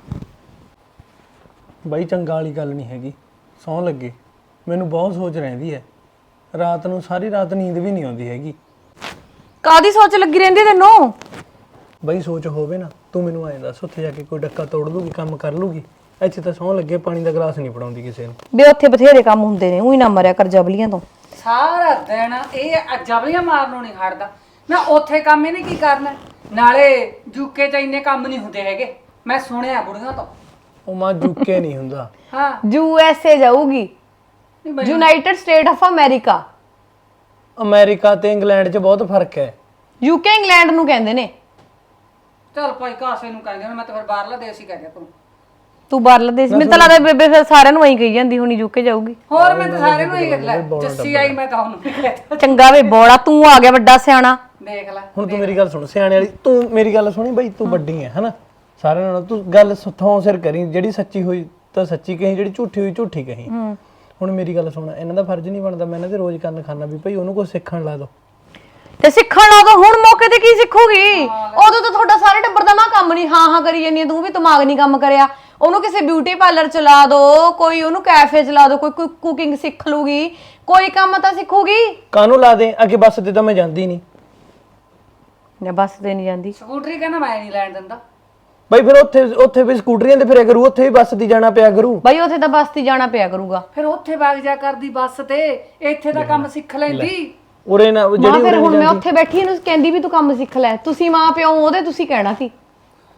D: ਬਾਈ ਚੰਗਾ ਵਾਲੀ ਗੱਲ ਨਹੀਂ ਹੈਗੀ, ਸੌਂ ਲੱਗੇ ਮੈਨੂੰ ਬਹੁਤ ਸੋਚ ਰਹਿੰਦੀ ਹੈ। ਰਾਤ ਨੂੰ ਸਾਰੀ ਰਾਤ ਨੀਂਦ ਵੀ ਨਹੀਂ ਆਉਂਦੀ ਹੈਗੀ।
A: ਕਾਦੀ ਸੋਚ ਲੱਗੀ ਰਹਿੰਦੀ ਤੈਨੂੰ?
D: ਬਾਈ ਸੋਚ ਹੋਵੇ ਨਾ, ਤੂੰ ਮੈਨੂੰ ਐਂ ਦੱਸ, ਉੱਥੇ ਜਾ ਕੇ ਕੋਈ ਡੱਕਾ ਤੋੜ ਲੂਗੀ, ਕੰਮ ਕਰ ਲੂਗੀ? ਇੱਥੇ ਤਾਂ ਸੌਂ ਲੱਗੇ ਪਾਣੀ ਦਾ ਗਲਾਸ ਨਹੀਂ ਫੜਾਉਂਦੀ ਕਿਸੇ ਨੂੰ।
A: ਵੇ ਉੱਥੇ ਬਥੇਰੇ ਕੰਮ ਹੁੰਦੇ ਨੇ, ਉਹੀ ਨਾ ਮਰਿਆ ਕਰ ਜਬਲੀਆਂ ਤੋਂ।
B: ਸਾਰਾ ਦਿਨ ਇਹ ਜਬਲੀਆਂ ਮਾਰਨੋਂ ਨਹੀਂ ਹਟਦਾ ਨਾ। ਉੱਥੇ ਕੰਮ ਇਹਨੇ ਕੀ ਕਰਨਾ? ਨਾਲੇ ਯੂਕੇ ਚ ਇੰਨੇ ਕੰਮ ਨਹੀਂ ਹੁੰਦੇ ਹੈਗੇ, ਮੈਂ ਸੁਣਿਆ ਬੁੜੀਆਂ ਤੋਂ।
D: ਉਹ ਮਾਂ ਜੁਕੇ ਨਹੀਂ ਹੁੰਦਾ।
B: ਹਾਂ,
A: USA ਜਾਊਗੀ, United State of America.
D: America ਤੇ ਇੰਗਲੈਂਡ 'ਚ ਬਹੁਤ ਫਰਕ ਹੈ।
A: UK ਇੰਗਲੈਂਡ ਨੂੰ ਕਹਿੰਦੇ ਨੇ।
B: ਚਲ ਭਾਈ ਕਾਸੇ ਨੂੰ ਕਹਿੰਦੇ, ਮੈਂ ਤਾਂ ਫਿਰ ਬਾਹਰਲਾ ਦੇਸ਼ ਹੀ ਕਹਿ ਗਿਆ
A: ਤੂੰ ਬਾਹਰਲਾ ਦੇਸ਼, ਮੈਨੂੰ ਤਾਂ ਲੱਗਦਾ ਬੇਬੇ ਫਿਰ ਸਾਰਿਆਂ ਨੂੰ ਐਂ ਕਹੀ ਜਾਂਦੀ ਹੁਣੀ UK ਜਾਊਗੀ।
B: ਹੋਰ ਮੈਂ ਤਾਂ ਸਾਰਿਆਂ ਨੂੰ ਹੀ ਕਹਿ ਲੈ, ਜੱਸੀ ਆਈ ਮੈਂ ਤਾਂ ਉਹਨੂੰ ਵੀ ਕਹਿ
A: ਚੰਗਾ ਵੇ ਬੋੜਾ, ਤੂੰ ਆ ਗਿਆ ਵੱਡਾ ਸਿਆਣਾ।
B: ਦੇਖ ਲੈ।
D: ਹੁਣ ਤੂੰ ਮੇਰੀ ਗੱਲ ਸੁਣ, ਸਿਆਣੇ ਵਾਲੀ ਤੂੰ ਮੇਰੀ ਗੱਲ ਸੁਣੀ ਬਾਈ, ਤੂੰ ਵੱਡੀ ਹੈ ਹਨਾ ਸਾਰਿਆਂ ਨਾਲੋਂ। ਤੂੰ ਗੱਲ ਥੋਂ ਸਿਰ ਕਰੀ, ਜਿਹੜੀ ਸੱਚੀ ਹੋਈ ਤਾਂ ਸੱਚੀ ਕਹੀਂ, ਜਿਹੜੀ ਝੂਠੀ ਹੋਈ ਝੂਠੀ ਕਹੀਂ। ਹੁਣ ਮੇਰੀ ਗੱਲ ਸੁਣ, ਇਹਨਾਂ ਦਾ ਫਰਜ਼ ਨਹੀਂ ਬਣਦਾ ਮੈਂ ਇਹਨਾਂ ਦੇ ਰੋਜ਼ ਕੰਨ ਖਾਨਾ ਵੀ ਭਾਈ ਉਹਨੂੰ ਕੁਝ ਸਿੱਖਣ ਲਾ ਦੋ।
A: ਤੇ ਸਿੱਖਣ ਲਾ ਦੋ, ਹੁਣ ਮੌਕੇ ਤੇ ਕੀ ਸਿੱਖੂਗੀ? ਉਦੋਂ ਤਾਂ ਤੁਹਾਡਾ ਸਾਰੇ ਟੱਬਰ ਦਾ ਮਾਂ ਕੰਮ ਨਹੀਂ ਹਾਂ ਕਰੀ ਜਾਂਦੀ, ਤੂੰ ਵੀ ਦਿਮਾਗ ਨਹੀਂ ਕੰਮ ਕਰਿਆ। ਉਹਨੂੰ ਕਿਸੇ ਬਿਊਟੀ ਪਾਰਲਰ ਚਲਾ ਦੋ, ਕੋਈ ਉਹਨੂੰ ਕੈਫੇ ਚਲਾ ਦੋ, ਕੋਈ ਕੁਕਿੰਗ ਸਿੱਖ ਲੂਗੀ, ਕੋਈ ਕੰਮ ਤਾਂ ਸਿੱਖੂਗੀ।
D: ਕਾਹਨੂੰ ਲਾ ਦੇ ਅੱਗੇ? ਬੱਸ ਤੇ ਤਾਂ ਮੈਂ ਜਾਂਦੀ ਨਹੀਂ।
A: ਜਾਂ ਬੱਸ ਤੇ ਨਹੀਂ ਜਾਂਦੀ?
B: ਸਕੂਟਰੀ ਕਹਿੰਦਾ ਮੈਂ ਨਹੀਂ ਲੈਣ ਦਿੰਦਾ।
D: ਬਾਈ ਫਿਰ ਉੱਥੇ ਵੀ ਸਕੂਟਰੀਆਂ ਤੇ ਫਿਰਿਆ ਕਰੂ, ਉੱਥੇ ਵੀ ਬੱਸ ਦੀ ਜਾਣਾ ਪਿਆ ਕਰੂ।
A: ਬਾਈ ਉੱਥੇ ਤਾਂ ਬੱਸ ਤੇ ਜਾਣਾ ਪਿਆ ਕਰੂਗਾ।
B: ਫਿਰ ਉੱਥੇ ਵਗ ਜਾ ਕਰਦੀ ਬੱਸ ਤੇ, ਇੱਥੇ ਦਾ ਕੰਮ ਸਿੱਖ ਲੈਂਦੀ।
D: ਉਰੇ ਨਾ
A: ਮਾਂ ਫਿਰ ਹੁਣ ਮੈਂ ਉੱਥੇ ਬੈਠੀ ਇਹਨੂੰ ਕਹਿੰਦੀ ਵੀ ਤੂੰ ਕੰਮ ਸਿੱਖ ਲੈ। ਤੁਸੀਂ ਮਾਂ ਪਿਓ ਉਹਦੇ ਤੁਸੀਂ ਕਹਿਣਾ ਸੀ